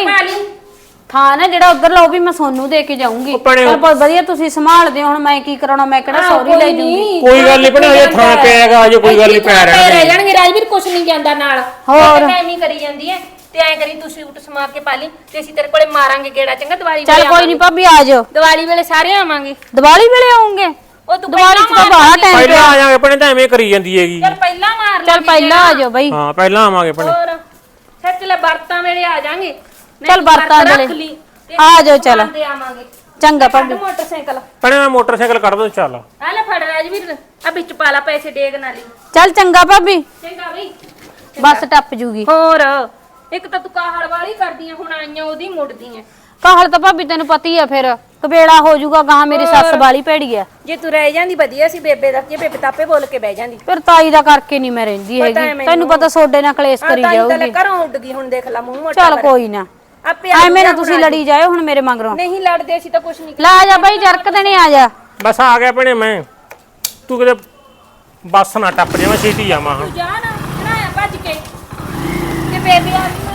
ਥਾਂ ਨਾ ਜਿਹੜਾ ਉਧਰ ਲਾਓ ਵੀ ਮੈਂ ਸੋਨੂੰ ਦੇ ਕੇ ਜਾਊਂਗੀ
ਉਹ ਭੈਣੇ-
ਪਰ ਬਹੁਤ ਵਧੀਆ ਤੁਸੀਂ ਸੰਭਾਲਦੇ ਹੋ ਹੁਣ ਮੈਂ ਕੀ ਕਰਾਉਣਾ ਮੈਂ ਕਿਹੜਾ ਸੌਰੀ ਲੈ ਜੂੰਗੀ
ਕੋਈ ਗੱਲ ਨਹੀਂ ਭੈਣੇ ਹਜੇ ਥਾਂ ਪਿਆ ਹੈਗਾ ਅਜੇ ਕੋਈ ਗੱਲ ਨਹੀਂ ਪਿਆ
ਰਹਿ
ਰਹਿਣਾ
ਜਾਣਗੇ ਰਾਜਵੀਰ ਕੁਛ ਨਹੀਂ ਜਾਂਦਾ ਨਾਲ
ਹੋਰ।
ਐਵੇਂ ਹੀ ਕਰੀ ਜਾਂਦੀ ਐ ਤੇ ਐਂ ਕਰੀ ਤੂੰ ਸੂਟ ਸਮਾ ਕੇ ਪਾ ਲਈ ਤੇ ਅਸੀਂ ਤੇਰੇ ਕੋਲੇ ਮਾਰਾਂਗੇ ਗੇੜਾ ਚੰਗਾ ਦੀਵਾਲੀ
ਚੱਲ ਕੋਈ ਨਹੀਂ ਭਾਬੀ ਆ ਜਾਓ
ਦੀਵਾਲੀ ਵੇਲੇ ਸਾਰੇ ਆਵਾਂਗੇ
ਦੀਵਾਲੀ ਵੇਲੇ ਆਉਂਗੇ
ਉਹ ਤੂੰ
ਦੀਵਾਲੀ ਚ ਤਾਂ
ਪਹਿਲਾਂ
ਬਾਹਰ ਟਾਈਮ
ਪਹਿਲਾਂ ਆ ਜਾਾਂਗੇ ਭੈਣੇ ਤਾਂ ਐਵੇਂ ਕਰੀ ਜਾਂਦੀ ਹੈਗੀ
ਚੱਲ ਪਹਿਲਾਂ ਮਾਰ
ਚੱਲ ਪਹਿਲਾਂ ਆ ਜਾਓ ਬਾਈ
ਹਾਂ ਪਹਿਲਾਂ ਆਵਾਂਗੇ ਭੈਣੇ
ਹੋਰ ਸੱਚ ਲੈ ਬਰਤਾਂ ਵੇਲੇ ਆ ਜਾਾਂਗੇ
ਚੱਲ ਬਰਤਾਂ ਵੇਲੇ। ਆ ਜਾਓ ਚੱਲ।
ਤੇ ਆਵਾਂਗੇ
ਚੰਗਾ
ਕੱਢ
ਭਾਬੀ
ਮੋਟਰਸਾਈਕਲ
ਭੈਣੇ ਮੈਂ ਮੋਟਰਸਾਈਕਲ ਕੱਢ ਦੋ ਚੱਲ
ਆ ਲੈ ਫੜ ਰਾਜਵੀਰ ਆ ਵਿੱਚ ਪਾ ਲਾ ਪੈਸੇ ਡੇਗ ਨਾਲੀ
ਚੱਲ ਚੰਗਾ ਭਾਬੀ
ਚੰਗਾ ਬਈ
ਬੱਸ ਟੱਪ ਜੂਗੀ
ਹੋਰ ਇੱਕ ਤਾਂ ਤੂੰ ਕਾਹਲ ਵਾਲੀ ਕਰਦੀ ਆ ਹੁਣ ਆਈਆਂ ਉਹਦੀ ਮੁੜਦੀ ਆ
ਕਾਹਲ ਤਾਂ ਭਾਬੀ ਤੈਨੂੰ ਪਤਾ ਹੀ ਆ ਫਿਰ ਕਬੇੜਾ ਹੋ ਜਾਊਗਾ ਗਾਂ ਮੇਰੀ ਸੱਸ ਵਾਲੀ ਭੈੜੀ ਆ
ਜੇ ਤੂੰ ਰਹਿ ਜਾਂਦੀ ਵਧੀਆ ਸੀ ਬੇਬੇ ਦਾ ਜੇ ਬੇਬੇ ਤਾਪੇ ਬੋਲ ਕੇ ਬਹਿ ਜਾਂਦੀ
ਫਿਰ ਤਾਈ ਦਾ ਕਰਕੇ ਨਹੀਂ ਮੈਂ ਰਹਿੰਦੀ
ਪਤਾ ਹੈ
ਹੈਗੀ
ਮੈਨੂੰ।
ਤੈਨੂੰ ਪਤਾ ਸੋਡੇ ਨਾਲ ਕਲੇਸ਼ ਕਰੀ
ਤਾਂ
ਜਾਊਗੀ
ਘਰੋਂ ਉੱਡ ਗਈ ਹੁਣ ਦੇਖ ਲੈ ਮੂੰਹ ਮੋਟਾ
ਚੱਲ
ਕਰ।
ਕੋਈ ਨਾ
ਆਪੇ
ਐਵੇਂ ਨਾ ਤੁਸੀਂ ਲੜੀ ਜਾਇਓ ਹੁਣ ਮੇਰੇ ਮਗਰੋਂ
ਨਹੀਂ ਲੜਦੇ ਸੀ ਤਾਂ ਕੁਛ ਨਹੀਂ
ਲੈ ਆ ਜਾ ਬਾਈ ਜਰਕ ਦੇਣੇ ਆ ਜਾ
ਬਸ ਆ ਗਿਆ ਭੈਣੇ ਮੈਂ ਤੂੰ ਕਿਤੇ ਬੱਸ ਨਾ ਟੱਪ ਜਾਵਾਂ ਛੇਤੀ ਆਵਾਂ ਹਾਂ
ਤੂੰ ਜਾ ਨਾ ਚੜਾਇਆ ਭੱਜ ਕੇ ਤੇ ਬੇਬੇ ਆ ਗਈ